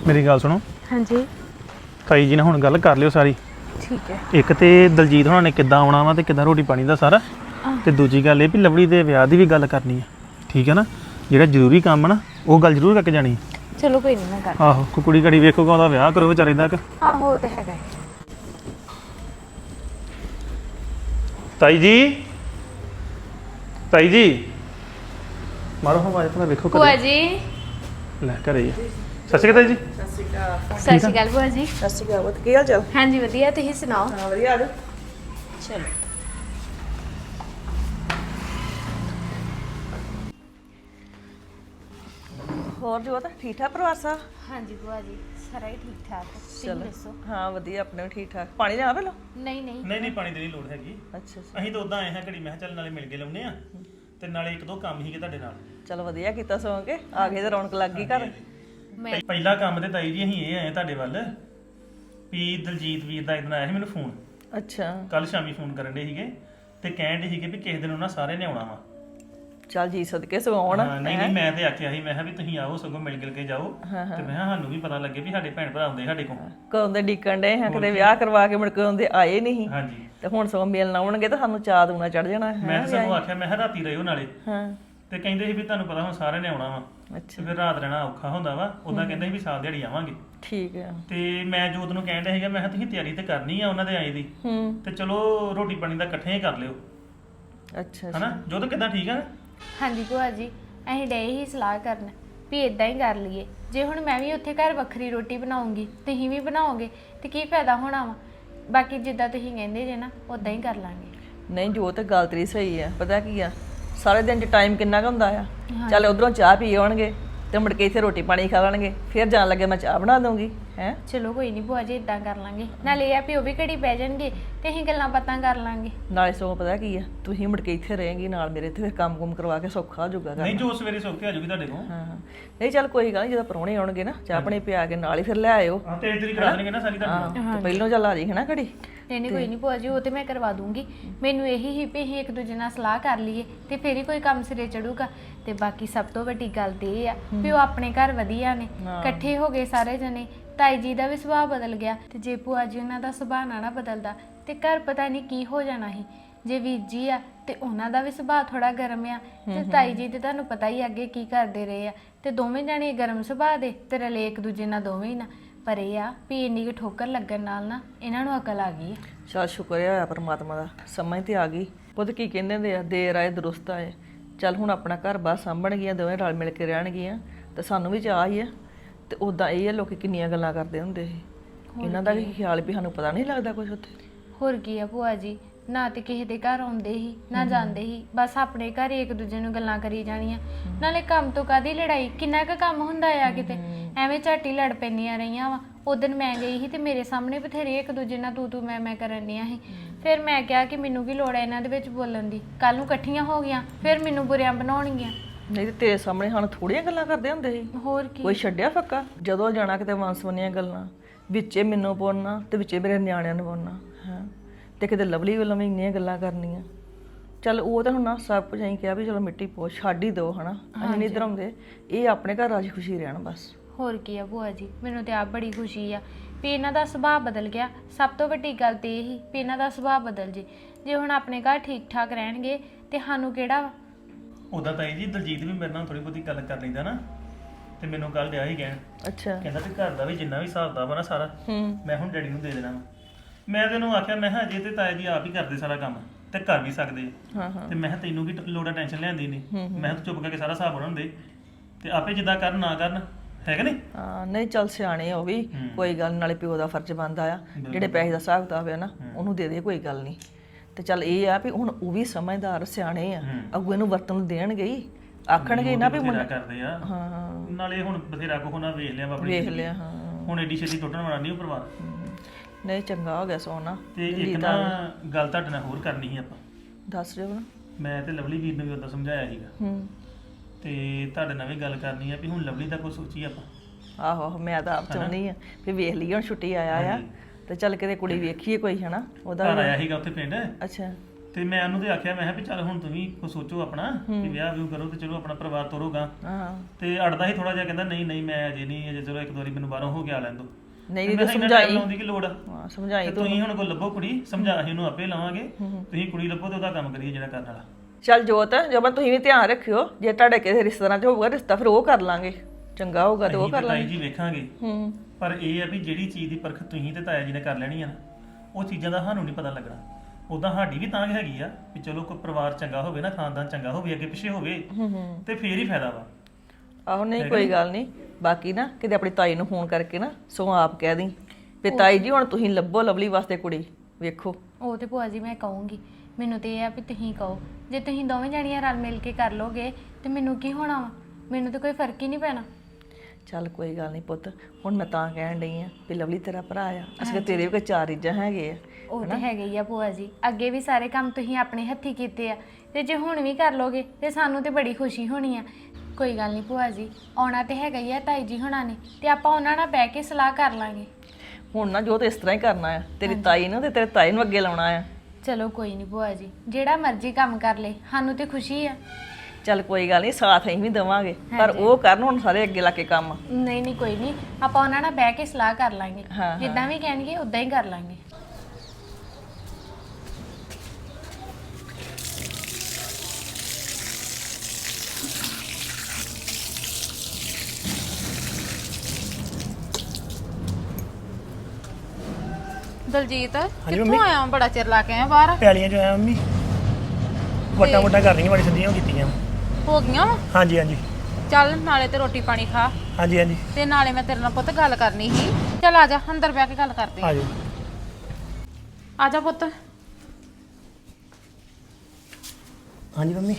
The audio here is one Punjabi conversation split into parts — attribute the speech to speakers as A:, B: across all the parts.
A: ਮੇਰੀ ਗੱਲ ਸੁਣੋ।
B: ਹਾਂਜੀ
A: ਤਾਈ ਜੀ ਨਾਲ ਹੁਣ ਗੱਲ ਕਰ ਲਿਓ ਸਾਰੀ।
B: ਠੀਕ ਹੈ।
A: ਇੱਕ ਤੇ ਦਲਜੀਤ ਹੋਣਾ ਨੇ ਕਿੱਦਾਂ ਆਉਣਾ ਵਾ ਤੇ ਕਿੱਦਾਂ ਰੋਟੀ ਪਾਣੀ ਦਾ ਸਾਰਾ, ਤੇ ਦੂਜੀ ਗੱਲ ਇਹ ਵੀ ਲਵਲੀ ਦੇ ਵਿਆਹ ਦੀ ਵੀ ਗੱਲ ਕਰਨੀ ਆ। ਠੀਕ ਹੈ ਨਾ, ਜਿਹੜਾ ਜ਼ਰੂਰੀ ਕੰਮ ਆ ਨਾ ਉਹ ਗੱਲ ਜ਼ਰੂਰ ਕਰਕੇ ਜਾਣੀ।
B: ਚਲੋ ਕੋਈ ਨਹੀਂ, ਮੈਂ ਕਰ।
A: ਆਹੋ, ਕੋਈ ਕੁੜੀ ਘੜੀ ਵੇਖੋਗਾ ਉਹਦਾ ਵਿਆਹ ਕਰੋ ਵਿਚਾਰੇ ਦਾ।
B: ਆਹੋ ਉਹ ਤੇ ਹੈਗਾ ਹੈ।
A: ਤਾਈ ਜੀ, ਤਾਈ ਜੀ ਮਾਰੋ ਹਾਂ ਆਵਾਜ਼, ਤਾਂ ਵੇਖੋ
B: ਭੂਆ
A: ਘਰੇ।
B: ਜੀ
A: ਲੈ ਘਰੇ ਹੀ ਆ। ਸਤਿ ਸ਼੍ਰੀ ਅਕਾਲ ਤਾਈ ਜੀ।
B: ਸਤਿ ਸ਼੍ਰੀ ਅਕਾਲ ਭੂਆ ਜੀ।
C: ਸਤਿ ਸ਼੍ਰੀ ਅਕਾਲ। ਕੀ ਹਾਲ ਚਾਲ?
B: ਹਾਂਜੀ ਵਧੀਆ, ਤੁਸੀਂ ਸੁਣਾਓ?
C: ਹਾਂ ਵਧੀਆ। ਆ ਜਾ।
B: ਚਲੋ।
C: ਹੋਰ ਜੋ ਤਾਂ ਠੀਕ ਠਾਕ ਪਰਿਵਾਰ ਸਾਹਿਬ?
B: ਹਾਂਜੀ ਭੂਆ ਜੀ, ਸਾਰਾ ਹੀ ਠੀਕ ਠਾਕ ਹੈ। ਤੁਸੀਂ ਦੱਸੋ?
C: ਹਾਂ ਵਧੀਆ, ਆਪਣੇ ਵੀ ਠੀਕ ਠਾਕ। ਪਾਣੀ ਲਿਆ ਪਹਿਲਾਂ?
B: ਨਹੀਂ ਨਹੀਂ
A: ਨਹੀਂ ਪਾਣੀ ਦੀ ਨਹੀਂ ਲੋੜ ਹੈਗੀ।
C: ਅੱਛਾ
A: ਅਸੀਂ ਤਾਂ ਉਦਾਂ ਆਏ ਹਾਂ ਘੜੀ, ਮੈਂ ਕਿਹਾ ਚੱਲ ਨਾਲੇ ਮਿਲ ਕੇ ਲਾਉਨੇ ਆ ਤੇ ਨਾਲੇ ਇੱਕ ਦੋ ਕੰਮ ਸੀਗੇ ਤੁਹਾਡੇ ਨਾਲ।
C: ਚਲ ਵਧੀਆ ਕੀਤਾ, ਸੌਂ ਕੇ ਆ ਗਏ ਤੇ ਰੌਣਕ ਲੱਗ ਗਈ ਘਰ।
B: ਮੈਂ
A: ਪਹਿਲਾ ਕੰਮ ਤੇ ਤਾਈ ਜੀ ਅਸੀਂ ਇਹ ਆਏ ਤੁਹਾਡੇ ਵੱਲ ਵੀ ਦਲਜੀਤ ਵੀਰ ਦਾ ਇਦਾਂ ਆਇਆ ਸੀ ਮੈਨੂੰ ਫੋਨ,
C: ਅੱਛਾ
A: ਕੱਲ ਸ਼ਾਮੀ ਫੋਨ ਕਰਨ ਦੇ ਸੀਗੇ ਤੇ ਕਹਿਣ ਦੇ ਸੀਗੇ ਵੀ ਕਿਸੇ ਦਿਨ ਉਹਨਾਂ ਸਾਰਿਆਂ ਨੇ ਆਉਣਾ ਵਾ।
C: ਚਲ ਜੀ ਸਦਕੇ ਸਵਾਉਣ।
A: ਨਹੀਂ ਮੈਂ ਤੇ ਆਖਿਆ ਸੀ, ਮੈਂ ਕਿਹਾ ਵੀ ਤੁਸੀਂ ਆਓ ਸਗੋਂ ਮਿਲ ਗਿਲ ਕੇ ਜਾਓ, ਤੇ ਮੈਂ ਕਿਹਾ ਸਾਨੂੰ ਵੀ ਪਤਾ ਲੱਗੇ ਵੀ ਸਾਡੇ ਭੈਣ ਭਰਾ ਆਉਂਦੇ ਸਾਡੇ ਕੋਲ।
C: ਕਦੋਂ ਦੇ ਡੀਕਣ ਡੇ ਹਾਂ, ਕਿਤੇ ਵਿਆਹ ਕਰਵਾ ਕੇ ਮੁੜ ਕੇ ਆਉਂਦੇ ਆਏ ਨਹੀਂ,
A: ਹਾਂਜੀ
C: ਤੇ ਹੁਣ ਸਗੋਂ ਮਿਲਣ ਆਉਣਗੇ ਤਾਂ ਸਾਨੂੰ ਚਾਹ ਦੂਣਾ ਚੜ ਜਾਣਾ ਹੈ।
A: ਮੈਂ ਤਾਂ ਸਾਨੂੰ ਆਖਿਆ, ਮੈਂ ਕਿਹਾ ਰਾਤੀ ਰਹਿਓ ਨਾਲੇ,
C: ਹਾਂ
A: ਤੇ ਕਹਿੰਦੇ ਸੀ ਵੀ ਤੁਹਾਨੂੰ ਪਤਾ ਹੁਣ ਸਾਰਿਆਂ ਨੇ ਆਉਣਾ ਵਾ ਤੇ
C: ਅੱਛਾ
A: ਫਿਰ ਰਾਤ ਰਹਿਣਾ ਔਖਾ ਹੁੰਦਾ ਵਾ। ਉਦਾਂ ਕਹਿੰਦੇ ਸੀ ਵੀ ਸਾਲ ਦਿਹਾੜੀ ਆਵਾਂਗੇ।
C: ਠੀਕ ਹੈ।
A: ਤੇ ਮੈਂ ਜੋਤ ਨੂੰ ਕਹਿਣ ਡਿਆ ਸੀਗਾ, ਮੈਂ ਕਿਹਾ ਤੁਸੀਂ ਤਿਆਰੀ ਤੇ ਕਰਨੀ ਆ ਉਹਨਾਂ ਦੇ ਆਏ ਦੀ, ਤੇ ਚਲੋ ਰੋਟੀ ਪਾਣੀ ਦਾ ਇਕੱਠੇ ਹੀ ਕਰ ਲਿਓ,
C: ਅੱਛਾ
A: ਹਨਾ? ਜੋਤ ਕਿੱਦਾਂ ਠੀਕ ਆ ਨਾ?
B: ਹਾਂਜੀ ਭੂਆ ਜੀ, ਅਸੀਂ ਡੇ ਹੀ ਸਲਾਹ ਕਰਨ ਵੀ ਇਦਾਂ ਹੀ ਕਰ ਲਈਏ। ਜੇ ਹੁਣ ਮੈਂ ਵੀ ਉੱਥੇ ਘਰ ਵੱਖਰੀ ਰੋਟੀ ਬਣਾਉਂਗੀ, ਤੁਸੀਂ ਵੀ ਬਣਾਓਗੇ, ਤੇ ਕੀ ਫਾਇਦਾ ਹੋਣਾ ਵਾ? ਬਾਕੀ ਜਿੱਦਾਂ ਤੁਸੀਂ ਕਹਿੰਦੇ ਜੇ ਨਾ ਉਦਾਂ ਹੀ ਕਰ ਲਾਂਗੇ।
C: ਨਹੀਂ ਜੋ ਤੇ ਗੱਲ ਤੇਰੀ ਸਹੀ ਆ। ਪਤਾ ਕੀ ਆ, ਸਾਰੇ ਦਿਨ ਚ ਟਾਈਮ ਕਿੰਨਾ ਕੁ ਹੁੰਦਾ ਆ। ਚੱਲ ਉਧਰੋਂ ਚਾਹ ਪੀ ਆਉਣਗੇ ਤੇ ਮੁੜ ਕੇ ਇੱਥੇ ਰੋਟੀ ਪਾਣੀ ਖਾ ਲੈਣਗੇ, ਫਿਰ ਜਾਣ ਲੱਗੇ ਮੈਂ ਚਾਹ ਬਣਾ ਦਊਂਗੀ ਹੈ।
B: ਚਲੋ ਕੋਈ ਨਹੀਂ ਭੂਆ ਜੀ, ਇਦਾਂ ਕਰ ਲਾਂਗੇ। ਨਾਲੇ ਇਹ ਆ ਵੀ ਉਹ ਵੀ ਘੜੀ ਪੈ ਜਾਣਗੇ ਤੇ ਅਸੀਂ ਗੱਲਾਂ ਬਾਤਾਂ ਕਰ ਲਾਂਗੇ।
C: ਨਾਲੇ ਸਗੋਂ ਪਤਾ ਕੀ ਆ, ਤੁਸੀਂ ਮੁੜ ਕੇ ਇੱਥੇ ਰਹੇਂਗੀ ਨਾਲ ਮੇਰੇ, ਤੇ ਫਿਰ ਕੰਮ-ਕੁਮ ਕਰਵਾ ਕੇ ਸੌਖਾ ਹੋ ਜਾਊਗਾ।
A: ਨਹੀਂ ਜੋ ਸਵੇਰੇ ਸੁੱਕ ਕੇ ਆ ਜਾਊਗੀ ਤੁਹਾਡੇ ਕੋਲ।
C: ਹਾਂ ਨਹੀਂ ਚੱਲ ਕੋਈ ਗੱਲ ਨਹੀਂ, ਜਦੋਂ ਪ੍ਰਾਹੁਣੇ ਆਉਣਗੇ ਨਾ ਚਾਹ ਪਾਣੀ ਪਿਆ ਕੇ ਨਾਲ ਹੀ ਫਿਰ ਲੈ ਆਇਓ।
A: ਹਾਂ ਤੇ ਇਧਰ ਹੀ ਕਰਾ ਦੇਣਗੇ ਨਾ ਸਾਰੀ ਤੁਹਾਡੀ।
C: ਤੇ ਪਹਿਲੋਂ ਚੱਲ ਆ ਜੀ ਹੈ ਨਾ ਘੜੀ।
B: ਨਹੀਂ ਕੋਈ ਨਹੀਂ ਭੂਆ ਜੀ, ਉਹ ਤੇ ਮੈਂ ਕਰਵਾ ਦੂੰਗੀ। ਮੈਨੂੰ ਇਹੀ ਹੀ ਵੀ ਅਸੀਂ ਇੱਕ ਦੂਜੇ ਨਾਲ ਸਲਾਹ ਕਰ ਲਈਏ ਤੇ ਫੇਰ ਹੀ ਕੋਈ ਕੰਮ ਸਿਰੇ ਚੜੂਗਾ। ਤੇ ਬਾਕੀ ਸਭ ਤੋਂ ਵੱਡੀ ਗੱਲ ਤੇ ਇਹ ਆ ਵੀ ਉਹ ਆਪਣੇ ਘਰ ਵਧੀਆ ਨੇ, ਇਕੱਠੇ ਹੋ ਗਏ ਸਾਰੇ ਜਣੇ। ਤਾਈ ਜੀ ਦਾ ਵੀ ਸੁਭਾਅ ਬਦਲ ਗਿਆ, ਤੇ ਜੇ ਭੂਆ ਜੀ ਉਹਨਾਂ ਦਾ ਸੁਭਾਅ ਨਾ ਬਦਲਦਾ ਤੇ ਘਰ ਪਤਾ ਨਹੀਂ ਕੀ ਹੋ ਜਾਣਾ ਸੀ। ਜੇ ਵੀਰ ਜੀ ਆ ਤੇ ਉਹਨਾਂ ਦਾ ਵੀ ਸੁਭਾਅ ਥੋੜਾ ਗਰਮ ਆ, ਤੇ ਤਾਈ ਜੀ ਤੇ ਤੁਹਾਨੂੰ ਪਤਾ ਹੀ ਅੱਗੇ ਕੀ ਕਰਦੇ ਰਹੇ ਆ, ਤੇ ਦੋਵੇਂ ਜਣੇ ਗਰਮ ਸੁਭਾਅ ਦੇ ਤੇ ਰਲੇ ਇੱਕ ਦੂਜੇ ਨਾਲ ਦੋਵੇਂ ਹੀ ਨਾ। ਪਰ ਇਹ ਆ ਵੀ ਇੰਨੀ ਕੁ ਠੋਕਰ ਲੱਗਣ ਨਾਲ ਨਾ ਇਹਨਾਂ ਨੂੰ ਅਕਲ ਆ ਗਈ।
C: ਚੱਲ ਸ਼ੁਕਰ ਆ ਪਰਮਾਤਮਾ ਦਾ, ਸਮਝ ਤੇ ਆ ਗਈ। ਪੁੱਤ ਕੀ ਕਹਿੰਦੇ ਹੁੰਦੇ ਆ, ਦੇਰ ਆਏ ਦਰੁਸਤ ਆਏ। ਚੱਲ ਹੁਣ ਆਪਣਾ ਘਰ ਬਾਹਰ ਸਾਂਭਣਗੀਆਂ, ਦੋਵੇਂ ਰਲ ਮਿਲ ਕੇ ਰਹਿਣਗੀਆਂ, ਤੇ ਸਾਨੂੰ ਵੀ ਚਾਹ ਹੀ ਆ। ਤੇ ਉਦਾਂ ਇਹ ਆ, ਲੋਕੀ ਕਿੰਨੀਆਂ ਗੱਲਾਂ ਕਰਦੇ ਹੁੰਦੇ ਸੀ, ਇਹਨਾਂ ਦਾ ਵੀ ਖਿਆਲ ਵੀ ਸਾਨੂੰ ਪਤਾ ਨਹੀਂ ਲੱਗਦਾ ਕੁਝ ਉੱਥੇ।
B: ਹੋਰ ਕੀ ਆ ਭੂਆ ਜੀ, ਨਾ ਤੇ ਕਿਸੇ ਦੇ ਘਰ ਆਉਂਦੇ ਹੀ ਨਾ ਜਾਂਦੇ ਹੀ, ਬਸ ਆਪਣੇ ਘਰ ਹੀ ਇੱਕ ਦੂਜੇ ਨੂੰ ਗੱਲਾਂ ਕਰੀ ਜਾਣੀਆਂ। ਨਾਲੇ ਕੰਮ ਤੋਂ ਕਾਦੀ ਲੜਾਈ, ਕਿੰਨਾ ਕੁ ਕੰਮ ਹੁੰਦਾ ਆ ਕਿਤੇ, ਐਵੇਂ ਝਾਟੀ ਲੜ ਪੈਂਦੀਆਂ ਰਹੀਆਂ ਵਾ। ਉਦੋਂ ਮੈਂ ਗਈ ਸੀ ਤੇ ਮੇਰੇ ਸਾਹਮਣੇ ਬਥੇਰੇ ਇੱਕ ਦੂਜੇ ਨਾਲ ਤੂੰ ਮੈਂ ਕਰਨ ਡੀਆਂ ਸੀ। ਫਿਰ ਮੈਂ ਕਿਹਾ ਕਿ ਮੈਨੂੰ ਕੀ ਲੋੜ ਹੈ ਇਹਨਾਂ ਦੇ ਵਿੱਚ ਬੋਲਣ ਦੀ, ਕੱਲ ਨੂੰ ਇਕੱਠੀਆਂ ਹੋ ਗਈਆਂ ਫਿਰ ਮੈਨੂੰ ਬੁਰਿਆਂ ਬਣਾਉਣਗੀਆਂ।
C: ਨਹੀਂ ਤੇ ਤੇਰੇ ਸਾਹਮਣੇ ਸਾਨੂੰ ਥੋੜੀਆਂ ਗੱਲਾਂ ਕਰਦੇ ਹੁੰਦੇ ਸੀ,
B: ਹੋਰ ਕੀ।
C: ਕੋਈ ਛੱਡਿਆ ਫੱਕਾ? ਜਦੋਂ ਜਾਣਾ ਕਿਤੇ ਵੰਸਵੰਨੀਆਂ ਗੱਲਾਂ, ਵਿੱਚੇ ਮੈਨੂੰ ਪਾਉਣਾ ਤੇ ਵਿੱਚੇ ਮੇਰੇ ਨਿਆਣਿਆਂ ਨੂੰ ਪਾਉਣਾ ਹੈ, ਤੇ ਕਿਤੇ ਲਵਲੀ ਵੱਲੋਂ ਵੀ ਇੰਨੀਆਂ ਗੱਲਾਂ ਕਰਨੀਆਂ। ਚੱਲ ਉਹ ਤਾਂ ਹੁਣ ਨਾ ਸਭ ਕੁਝ ਅਸੀਂ ਕਿਹਾ ਵੀ ਚਲੋ ਮਿੱਟੀ ਪੋ ਛੱਡ ਹੀ ਦਿਓ, ਹਨਾ? ਅਸੀਂ ਨਹੀਂ ਧਰਾਉਂਦੇ, ਇਹ ਆਪਣੇ ਘਰ ਰਾਜੀ ਖੁਸ਼ੀ ਰਹਿਣ ਬਸ।
B: ਹੋਰ ਕੀ ਆ ਭੂਆ ਜੀ, ਮੈਨੂੰ ਤੇ ਆਪ ਬੜੀ ਖੁਸ਼ੀ ਆ ਵੀ ਇਹਨਾਂ ਦਾ ਸੁਭਾਅ ਬਦਲ ਗਿਆ। ਸਭ ਤੋਂ ਵੱਡੀ ਗੱਲ ਤੇ ਇਹ ਹੀ ਵੀ ਇਹਨਾਂ ਦਾ ਸੁਭਾਅ ਬਦਲ ਜੇ ਹੁਣ ਆਪਣੇ ਘਰ ਠੀਕ ਠਾਕ ਰਹਿਣਗੇ ਤੇ ਸਾਨੂੰ ਕਿਹੜਾ ਵਾ।
A: ਉਦਾਂ ਤਾਈ ਜੀ ਦਲਜੀਤ ਵੀ ਮੇਰੇ ਨਾਲ ਥੋੜੀ ਬਹੁਤੀ ਗੱਲ ਕਰ ਲੈਂਦਾ ਨਾ, ਤੇ ਮੈਨੂੰ ਕੱਲ ਡਿਆ ਹੀ ਕਹਿਣ,
C: ਅੱਛਾ
A: ਕਹਿੰਦਾ ਵੀ ਘਰ ਦਾ ਵੀ ਜਿੰਨਾ ਵੀ ਹਿਸਾਬ ਦਾ ਵਾ ਨਾ ਸਾਰਾ ਮੈਂ ਹੁਣ ਡੈਡੀ ਨੂੰ ਦੇ ਦੇਣਾ ਵਾ। ਮੈਂ ਤੈਨੂੰ ਆਖਿਆ, ਮੈਂ ਕਿਹਾ ਅਜੇ ਤੇ ਤਾਇਆ ਜੀ ਆਪ ਹੀ ਕਰਦੇ ਸਾਰਾ ਕੰਮ ਤੇ ਕਰ ਵੀ ਸਕਦੇ ਆ। ਤੇ ਮੈਂ ਕਿਹਾ ਤੈਨੂੰ ਕੀ ਲੋੜ ਆ ਟੈਨਸ਼ਨ ਲੈਂਦੀ ਨਹੀਂ, ਮੈਂ ਕਿਹਾ ਤੂੰ ਚੁੱਪ ਕਰਕੇ ਸਾਰਾ ਹਿਸਾਬ ਉਹਨਾਂ ਨੂੰ ਦੇ, ਤੇ ਆਪੇ ਜਿੱਦਾਂ ਕਰਨ ਨਾ ਕਰਨ, ਹੈਗਾ ਨਹੀਂ?
C: ਹਾਂ ਨਹੀਂ ਚੱਲ ਸਿਆਣੇ ਉਹ ਵੀ, ਕੋਈ ਗੱਲ ਨਾਲੇ ਪਿਓ ਦਾ ਫਰਜ਼ ਬਣਦਾ ਆ, ਜਿਹੜੇ ਪੈਸੇ ਦਾ ਹਿਸਾਬ ਕਿਤਾਬ ਆ ਨਾ ਉਹਨੂੰ ਦੇ ਦੇ, ਕੋਈ ਗੱਲ ਨਹੀਂ। ਤੇ ਚੱਲ ਇਹ ਆ ਵੀ ਹੁਣ ਉਹ ਵੀ ਸਮਝਦਾਰ ਸਿਆਣੇ ਆ, ਅੱਗੋਂ ਇਹਨੂੰ ਵਰਤਨ ਨੂੰ ਦੇਣਗੇ ਹੀ, ਆਖਣਗੇ ਨਾ ਵੀ ਮੁੰਡਾ
A: ਕਰਦੇ ਆ।
C: ਹਾਂ
A: ਨਾਲੇ ਹੁਣ ਬਥੇਰਾ ਕੋ ਹੋਣਾ ਵੇਖ ਲਿਆ ਬਾਬੇ,
C: ਵੇਖ ਲਿਆ। ਹਾਂ
A: ਹੁਣ ਐਡੀ ਛੇਤੀ ਟੁੱਟਣ ਵਾਲਾ ਨਹੀਂ ਉਹ ਪਰਿਵਾਰ।
C: ਨਹੀਂ ਚੰਗਾ ਹੋ ਗਿਆ ਸੋਨਾ।
A: ਤੇ ਇੱਕ ਨਾ ਗੱਲ ਤੁਹਾਡੇ ਨਾਲ ਹੋਰ ਕਰਨੀ ਸੀ ਆਪਾਂ।
C: ਦੱਸ ਰਿਹਾ ਨਾ।
A: ਮੈਂ ਤੇ ਲਵਲੀ ਵੀਰ ਨੂੰ ਵੀ ਉਦੋਂ ਸਮਝਾਇਆ ਸੀਗਾ, ਤੇ ਤੁਹਾਡੇ ਨਾਲ ਵੀ ਗੱਲ ਕਰਨੀ ਆ ਵੀ ਹੁਣ ਲਵਲੀ ਦਾ ਕੋਈ ਸੋਚੀ ਆਪਾਂ।
C: ਆਹੋ ਮੈਂ ਤਾਂ ਆਪ ਚਾਹੁੰਦੀ ਆ ਵੀ ਵੇਖ ਲਈਏ, ਹੁਣ ਛੁੱਟੀ ਆਇਆ ਆ ਤੇ ਚੱਲ ਕਿਤੇ ਕੁੜੀ ਵੇਖੀਏ ਕੋਈ, ਹਨਾ? ਉਹਦਾ
A: ਘਰ ਆਇਆ ਸੀਗਾ ਉੱਥੇ ਪਿੰਡ,
C: ਅੱਛਾ
A: ਤੇ ਮੈਂ ਉਹਨੂੰ ਤੇ ਆਖਿਆ ਮੈਂ ਕਿਹਾ ਵੀ ਚੱਲ ਹੁਣ ਤੁਸੀਂ ਕੋ ਸੋਚੋ ਆਪਣਾ ਵੀ ਵਿਆਹ ਵੀ ਕਰੋ ਤੇ ਚਲੋ ਆਪਣਾ ਪਰਿਵਾਰ ਤੋਰੋਗਾ
C: ਹਾਂ
A: ਤੇ ਅੜਦਾ ਹੀ ਥੋੜਾ ਜਿਹਾ ਕਹਿੰਦਾ ਨਹੀਂ ਨਹੀਂ ਮੈਂ ਅਜੇ ਨਹੀਂ ਅਜੇ ਚਲੋ ਇੱਕ ਦੋ ਵਾਰੀ ਮੈਨੂੰ ਬਾਹਰੋਂ ਹੋ ਕੇ ਆ ਲੈਣ ਦੋ
C: ਨਹੀਂ
A: ਮੈਂ
C: ਤੇ
A: ਸਮਝਾਈ ਲਾਉਂਦੀ ਕਿ ਲੋੜ ਆ
C: ਹਾਂ ਸਮਝਾਈ
A: ਤੇ ਤੁਸੀਂ ਹੁਣ ਕੋ ਲੱਭੋ ਕੁੜੀ ਸਮਝਾ ਅਸੀਂ ਉਹਨੂੰ ਆਪੇ ਲਾਵਾਂਗੇ ਤੁਸੀਂ ਕੁੜੀ ਲੱਭੋ ਤੇ ਉਹਦਾ ਕੰਮ ਕਰੀਏ ਜਿਹੜਾ ਕਰਨ ਵਾਲਾ
C: ਚੱਲ ਜੋਤ ਜਮਨ ਤੁਸੀਂ ਵੀ ਧਿਆਨ ਰੱਖਿਓ ਜੇ ਤੁਹਾਡੇ ਕਿਸੇ ਰਿਸ਼ਤੇਦਾਰਾਂ 'ਚ ਹੋਊਗਾ ਰਿਸ਼ਤਾ ਫਿਰ ਉਹ ਕਰ ਲਾਂਗੇ ਚੰਗਾ ਹੋਊਗਾ ਤੇ ਉਹ ਕਰ ਲਾਂਗੇ
A: ਤਾਈ ਜੀ ਵੇਖਾਂਗੇ
C: ਹੂੰ
A: ਪਰ ਇਹ ਆ ਵੀ ਜਿਹੜੀ ਚੀਜ਼ ਦੀ ਪਰਖ ਤੁਸੀਂ ਤੇ ਤਾਇਆ ਜੀ ਨੇ ਕਰ ਲੈਣੀ ਆ ਨਾ ਉਹ ਚੀਜ਼ਾਂ ਦਾ ਸਾਨੂੰ ਨਹੀਂ ਪਤਾ ਲੱਗਣਾ ਉਦਾਂ ਸਾਡੀ ਵੀ ਤਾਂ ਹੈਗੀ ਆ ਵੀ ਚਲੋ ਕੋਈ ਪਰਿਵਾਰ ਚੰਗਾ ਹੋਵੇ ਨਾ ਖਾਨਦਾਨ ਚੰਗਾ ਹੋਵੇ ਅੱਗੇ ਪਿੱਛੇ ਹੋਵੇ ਤੇ ਫੇਰ ਹੀ ਫਾਇਦਾ ਵਾ
C: ਆਹੋ ਨਹੀਂ ਕੋਈ ਗੱਲ ਨਹੀਂ ਬਾਕੀ ਨਾ ਕਿਤੇ ਆਪਣੀ ਤਾਈ ਨੂੰ ਫੋਨ ਕਰਕੇ ਨਾ ਸੋ ਆਪ ਕਹਿ ਦੀ ਵੀ ਤਾਈ ਜੀ ਹੁਣ ਤੁਸੀਂ ਲੱਭੋ ਲਵਲੀ ਵਾਸਤੇ ਕੁੜੀ ਵੇਖੋ
B: ਉਹ ਤੇ ਭੂਆ ਜੀ ਮੈਂ ਕਹੂੰਗੀ ਮੈਨੂੰ ਤੇ ਇਹ ਆ ਵੀ ਤੁਸੀਂ ਕਹੋ ਜੇ ਤੁਸੀਂ ਦੋਵੇਂ ਜਣੀਆਂ ਰਲ ਮਿਲ ਕੇ ਕਰ ਲੋਗੇ ਤੇ ਮੈਨੂੰ ਕੀ ਹੋਣਾ ਵਾ ਮੈਨੂੰ ਤੇ ਕੋਈ ਫਰਕ ਹੀ ਨਹੀਂ ਪੈਣਾ
C: ਚੱਲ ਕੋਈ ਗੱਲ ਨਹੀਂ ਪੁੱਤ ਹੁਣ ਮੈਂ ਤਾਂ ਕਹਿਣ ਡਈ ਆ ਵੀ ਲਵਲੀ ਤੇਰਾ ਭਰਾ ਆ ਅਸਲ ਤੇਰੇ ਵੀ ਕੋਈ ਚਾਰ ਇੱਜਾਂ ਹੈਗੇ ਆ
B: ਉਹ ਤੇ ਹੈਗੇ ਹੀ ਆ ਭੂਆ ਜੀ ਅੱਗੇ ਵੀ ਸਾਰੇ ਕੰਮ ਤੁਸੀਂ ਆਪਣੇ ਹੱਥੀਂ ਕੀਤੇ ਆ ਤੇ ਜੇ ਹੁਣ ਵੀ ਕਰ ਲੋਗੇ ਤੇ ਸਾਨੂੰ ਤੇ ਬੜੀ ਖੁਸ਼ੀ ਹੋਣੀ ਆ ਕੋਈ ਗੱਲ ਨਹੀਂ ਭੂਆ ਜੀ ਆਉਣਾ ਤੇ ਹੈਗਾ ਹੀ ਆ ਤਾਈ ਜੀ ਹੁਣਾਂ ਨੇ ਤੇ ਆਪਾਂ ਉਹਨਾਂ ਨਾਲ ਬਹਿ ਕੇ ਸਲਾਹ ਕਰ ਲਾਂਗੇ
C: ਹੁਣ ਨਾ ਜੋ ਤੇ ਇਸ ਤਰ੍ਹਾਂ ਹੀ ਕਰਨਾ ਆ ਤੇਰੀ ਤਾਈ ਨੂੰ ਤੇ ਤੇਰੇ ਤਾਈ ਨੂੰ ਅੱਗੇ ਲਾਉਣਾ ਆ
B: ਚਲੋ ਕੋਈ ਨਹੀਂ ਭੂਆ ਜੀ ਜਿਹੜਾ ਮਰਜ਼ੀ ਕੰਮ ਕਰ ਲੈ ਸਾਨੂੰ ਤੇ ਖੁਸ਼ੀ ਆ
C: ਚੱਲ ਕੋਈ ਗੱਲ ਨਹੀਂ ਸਾਥ ਅਸੀਂ ਵੀ ਦੇਵਾਂਗੇ ਪਰ ਉਹ ਕਰਨ ਹੁਣ ਸਾਰੇ ਅੱਗੇ ਲਾ ਕੇ ਕੰਮ
B: ਨਹੀਂ ਨਹੀਂ ਕੋਈ ਨਹੀਂ ਆਪਾਂ ਉਹਨਾਂ ਨਾਲ ਬਹਿ ਕੇ ਸਲਾਹ ਕਰ ਲਾਂਗੇ
C: ਹਾਂ,
B: ਜਿੱਦਾਂ ਵੀ ਕਹਿਣਗੇ ਉਦਾਂ ਹੀ ਕਰ ਲਾਂਗੇ
D: ਦਲਜੀਤ ਕਿੱਥੋਂ ਆਇਆ ਵਾਂ? ਬੜਾ ਚਿਰ ਲਾ ਕੇ ਆਇਆ ਬਾਹਰ
A: ਪੈਲੀਆਂ ਜੋ ਆ ਮੰਮੀ ਵਟਾ ਵਟਾ ਕਰ ਰਹੀਆਂ ਬੜੀ ਸੰਦੀਆਂ ਕੀਤੀਆਂ
D: ਹੋ ਗਈਆਂ ਵਾ
A: ਹਾਂਜੀ ਹਾਂਜੀ
D: ਚੱਲ ਨਾਲੇ ਤੇ ਰੋਟੀ ਪਾਣੀ ਖਾ
A: ਹਾਂਜੀ ਹਾਂਜੀ
D: ਤੇ ਨਾਲੇ ਮੈਂ ਤੇਰੇ ਨਾਲ ਪੁੱਤ ਗੱਲ ਕਰਨੀ ਸੀ ਚੱਲ ਆ ਜਾ ਅੰਦਰ ਬਹਿ ਕੇ ਗੱਲ ਕਰਦੇ
A: ਆ ਜਾਓ
D: ਆ ਜਾ ਪੁੱਤ
A: ਹਾਂਜੀ ਮੰਮੀ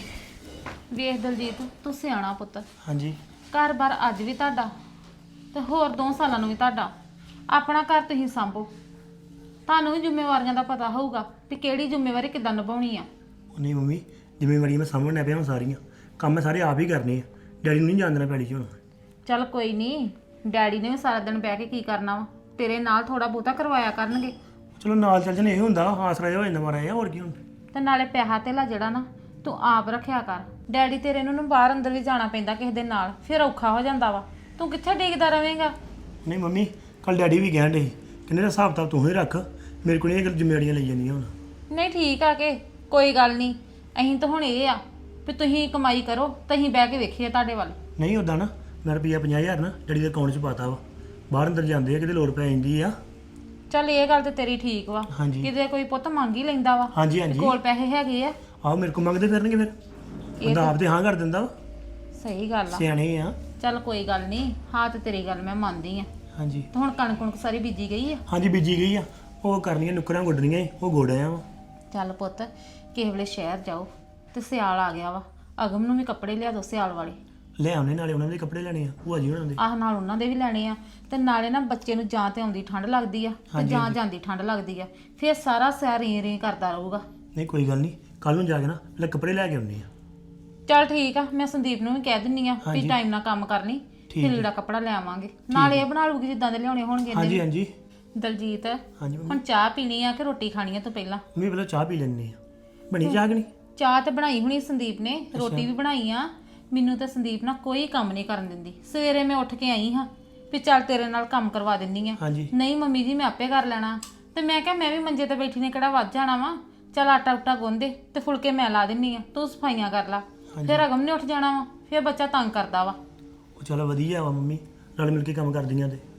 D: ਵੇਖ ਦਲਜੀਤ ਤੂੰ ਸਿਆਣਾ ਪੁੱਤ
A: ਹਾਂਜੀ
D: ਘਰ-ਬਾਰ ਅੱਜ ਵੀ ਤੁਹਾਡਾ ਤੇ ਹੋਰ 2 ਸਾਲਾਂ ਨੂੰ ਵੀ ਤੁਹਾਡਾ ਆਪਣਾ ਘਰ ਤੁਸੀਂ ਸੰਭੋ ਤੁਹਾਨੂੰ ਵੀ ਜ਼ਿੰਮੇਵਾਰੀਆਂ ਦਾ ਪਤਾ ਹੋਊਗਾ ਕਿ ਕਿਹੜੀ ਜ਼ਿੰਮੇਵਾਰੀ ਕਿੱਦਾਂ ਨਿਭਾਉਣੀ ਆ
E: ਨਹੀਂ ਮੰਮੀ ਜ਼ਿੰਮੇਵਾਰੀਆਂ ਮੈਂ ਸਾਹਮਣੇ ਪਿਆ ਹਾਂ ਸਾਰੀਆਂ ਕੰਮ ਮੈਂ ਸਾਰੇ ਆਪ ਹੀ ਕਰਨੇ ਆ ਡੈਡੀ ਨੂੰ ਨਹੀਂ ਜਾਣ ਦੇਣਾ ਪੈੜੀ 'ਚ ਹੁਣ
D: ਚੱਲ ਕੋਈ ਨਹੀਂ ਡੈਡੀ ਨੇ ਵੀ ਸਾਰਾ ਦਿਨ ਬਹਿ ਕੇ ਕੀ ਕਰਨਾ ਵਾ ਤੇਰੇ ਨਾਲ ਥੋੜਾ ਬਹੁਤਾ ਕਰਵਾਇਆ ਕਰਨਗੇ
E: ਚਲੋ ਨਾਲ ਚੱਲ ਜਨੇ ਇਹ ਹੁੰਦਾ ਆਸਰਾ ਜਿਹਾ ਹੋ ਜਾਂਦਾ ਮਾਰਾ ਜਿਹਾ ਹੋਰ ਕੀ ਹੁਣ
D: ਤੇ ਨਾਲੇ ਪੈਸਾ ਧੇਲਾ ਜਿਹੜਾ ਨਾ ਤੂੰ ਆਪ ਰੱਖਿਆ ਕਰ ਡੈਡੀ ਤੇਰੇ ਨੂੰ ਬਾਹਰ ਅੰਦਰ ਵੀ ਜਾਣਾ ਪੈਂਦਾ ਕਿਸੇ ਦੇ ਨਾਲ ਫਿਰ ਔਖਾ ਹੋ ਜਾਂਦਾ ਵਾ ਤੂੰ ਕਿੱਥੇ ਡਿੱਗਦਾ ਰਵੇਂਗਾ
E: ਨਹੀਂ ਮੰਮੀ ਕੱਲ ਡੈਡੀ ਵੀ ਕਹਿਣ ਡੇ ਕਹਿੰਦੇ ਦਾ ਹਿਸਾਬ ਤਾਂ ਤੂੰ ਹੀ ਰੱਖ ਮੇਰੇ ਕੋਲ ਇਹ ਗੱਲ ਜ਼ਿੰਮੇਵਾਰੀਆਂ ਲਈ ਜਾਂਦੀਆਂ ਹੁਣ
D: ਨਹੀਂ ਠੀਕ ਆ ਕਿ ਕੋਈ ਗੱਲ ਨਹੀਂ ਅਸੀਂ ਤਾਂ ਹੁਣ ਇਹ ਆ ਵੀ ਤੁਸੀਂ ਕਮਾਈ ਕਰੋ ਤੇ ਅਸੀਂ ਬਹਿ ਕੇ ਵੇਖੀਏ ਤੁਹਾਡੇ ਵੱਲ
E: ਨਹੀਂ ਉਦਾਂ ਨਾ ਮੈਂ ਰੁਪਈਆ 50,000 ਨਾ ਡੈਡੀ ਦੇ ਅਕਾਊਂਟ 'ਚ ਪਾਤਾ ਵਾ ਬਾਹਰ ਅੰਦਰ ਜਾਂਦੇ ਆ ਕਿਤੇ ਲੋੜ ਪੈ ਜਾਂਦੀ ਆ
D: ਚੱਲ ਇਹ ਗੱਲ ਤੇ ਤੇਰੀ ਠੀਕ ਵਾ
E: ਹਾਂਜੀ
D: ਕਿਤੇ ਕੋਈ ਪੁੱਤ ਮੰਗ ਹੀ ਲੈਂਦਾ ਵਾ
E: ਹਾਂਜੀ ਹਾਂਜੀ
D: ਕੋਲ ਪੈਸੇ ਹੈਗੇ ਆ
E: ਆਹੋ ਮੇਰੇ ਕੋਲ ਮੰਗਦੇ ਫਿਰਨਗੇ ਫਿਰ ਬੰਦਾ ਆਪ ਤੇ ਹਾਂ ਕਰ ਦਿੰਦਾ ਵਾ
D: ਸਹੀ ਗੱਲ ਆ
E: ਸਿਆਣੇ ਆ
D: ਚੱਲ ਕੋਈ ਗੱਲ ਨਹੀਂ ਹਾਂ ਤੇ ਤੇਰੀ ਗੱਲ ਮੈਂ ਮੰਨਦੀ ਆ
E: ਹਾਂਜੀ
D: ਤੇ ਹੁਣ ਕਣਕ ਸਾਰੀ ਬੀਜੀ ਗਈ ਆ
E: ਹਾਂਜੀ ਬੀਜੀ ਗਈ ਆ ਉਹ ਕਰਨੀਆਂ ਨੁੱਕਰਾਂ ਗੁੱਡਣੀਆਂ ਉਹ ਗੋੜਿਆ ਵਾ
D: ਚੱਲ ਪੁੱਤ ਕਿਸੇ ਵੇਲੇ ਸ਼ਹਿਰ ਜਾਓ ਤੇ ਸਿਆਲ ਆ ਗਿਆ ਵਾ ਅਗਮ ਨੂੰ ਵੀ ਕੱਪੜੇ ਲਿਆ ਦੋ ਸਿਆਲ ਵਾਲੇ
E: ਲੈ ਆਉਣੇ ਨਾਲੇ ਉਹਨਾਂ ਦੇ ਕੱਪੜੇ ਲੈਣੇ ਆ ਭੂਆ ਜੀ ਉਹਨਾਂ ਦੇ
D: ਆਹ ਨਾਲ ਉਹਨਾਂ ਦੇ ਵੀ ਲੈਣੇ ਆ ਤੇ ਨਾਲੇ ਨਾ ਬੱਚੇ ਨੂੰ ਜਾਂ ਤੇ ਆਉਂਦੀ ਠੰਡ ਲੱਗਦੀ ਆ ਤੇ ਜਾਂ ਜਾਂਦੀ ਠੰਡ ਲੱਗਦੀ ਆ ਫਿਰ ਸਾਰਾ ਸਿਰ ਰੀ ਕਰਦਾ ਰਹੂਗਾ
E: ਨਹੀਂ ਕੋਈ ਗੱਲ ਨਹੀਂ ਕੱਲ ਨੂੰ ਜਾ ਕੇ ਨਾ ਲੈ ਕੱਪੜੇ ਲੈ ਕੇ ਆਉਣੇ ਆ
D: ਚੱਲ ਠੀਕ ਆ ਮੈਂ ਸੰਦੀਪ ਨੂੰ ਵੀ ਕਹਿ ਦਿੰਨੀ ਆ ਵੀ ਟਾਈਮ ਨਾਲ ਕੰਮ ਕਰਨੀ ਤੇ ਲੀੜਾ ਕੱਪੜਾ ਲੈ ਆਵਾਂਗੇ ਨਾਲ ਇਹ ਬਣਾ ਲੂਗੀ ਜਿੱਦਾਂ ਦੇ ਲਿਆਉਣੇ ਹੋਣਗੇ ਇਹਨੇ
E: ਹਾਂਜੀ ਹਾਂਜੀ
D: ਦਲਜੀਤ
E: ਹਾਂਜੀ ਮੰਮੀ
D: ਹੁਣ ਚਾਹ ਪੀਣੀ ਆ ਕਿ ਰੋਟੀ ਖਾਣੀ ਆ ਤੋਂ ਪਹਿਲਾਂ
E: ਮੰਮੀ ਪਹਿਲਾਂ ਚਾਹ ਪੀ ਲੈਣੇ ਆ ਬਣੀ ਚਾਹ ਕਿ ਨਹੀਂ
D: ਚਾਹ ਤੇ ਬਣਾਈ ਹੋਣੀ ਸੰਦੀਪ ਨੇ ਰੋਟੀ ਵੀ ਬਣਾਈ ਆ ਮੈਨੂੰ ਤਾਂ ਸੰਦੀਪ ਨਾਲ ਕੋਈ ਕੰਮ ਨਹੀਂ ਕਰਨ ਦਿੰਦੀ ਸਵੇਰੇ ਮੈਂ ਉੱਠ ਕੇ ਆਈ ਹਾਂ ਵੀ ਚੱਲ ਤੇਰੇ ਨਾਲ ਕੰਮ ਕਰਵਾ ਦਿੰਨੀ ਆ
E: ਹਾਂਜੀ
D: ਨਹੀਂ ਮੰਮੀ ਜੀ ਮੈਂ ਆਪੇ ਕਰ ਲੈਣਾ ਤੇ ਮੈਂ ਕਿਹਾ ਮੈਂ ਵੀ ਮੰਜੇ ਤੇ ਬੈਠੀ ਨੇ ਕਿਹੜਾ ਵੱਜ ਜਾਣਾ ਵਾ ਚੱਲ ਆਟਾ ਉਟਾ ਗੁੰਨ ਦੇ ਤੇ ਫੁਲਕੇ ਮੈਂ ਲਾ ਦਿੰਨੀ ਆ ਤੂੰ ਸਫਾਈਆਂ ਕਰ ਲਾ ਫਿਰ ਅਗਮ ਨੇ ਉੱਠ ਜਾਣਾ ਵਾ ਫਿਰ ਬੱਚਾ ਤੰਗ ਕਰਦਾ ਵਾ
E: ਉਹ ਚਲੋ ਵਧੀਆ ਵਾ ਮੰਮੀ ਨਾਲ ਮਿਲ ਕੇ ਕੰਮ ਕਰਦੀਆਂ ਤੇ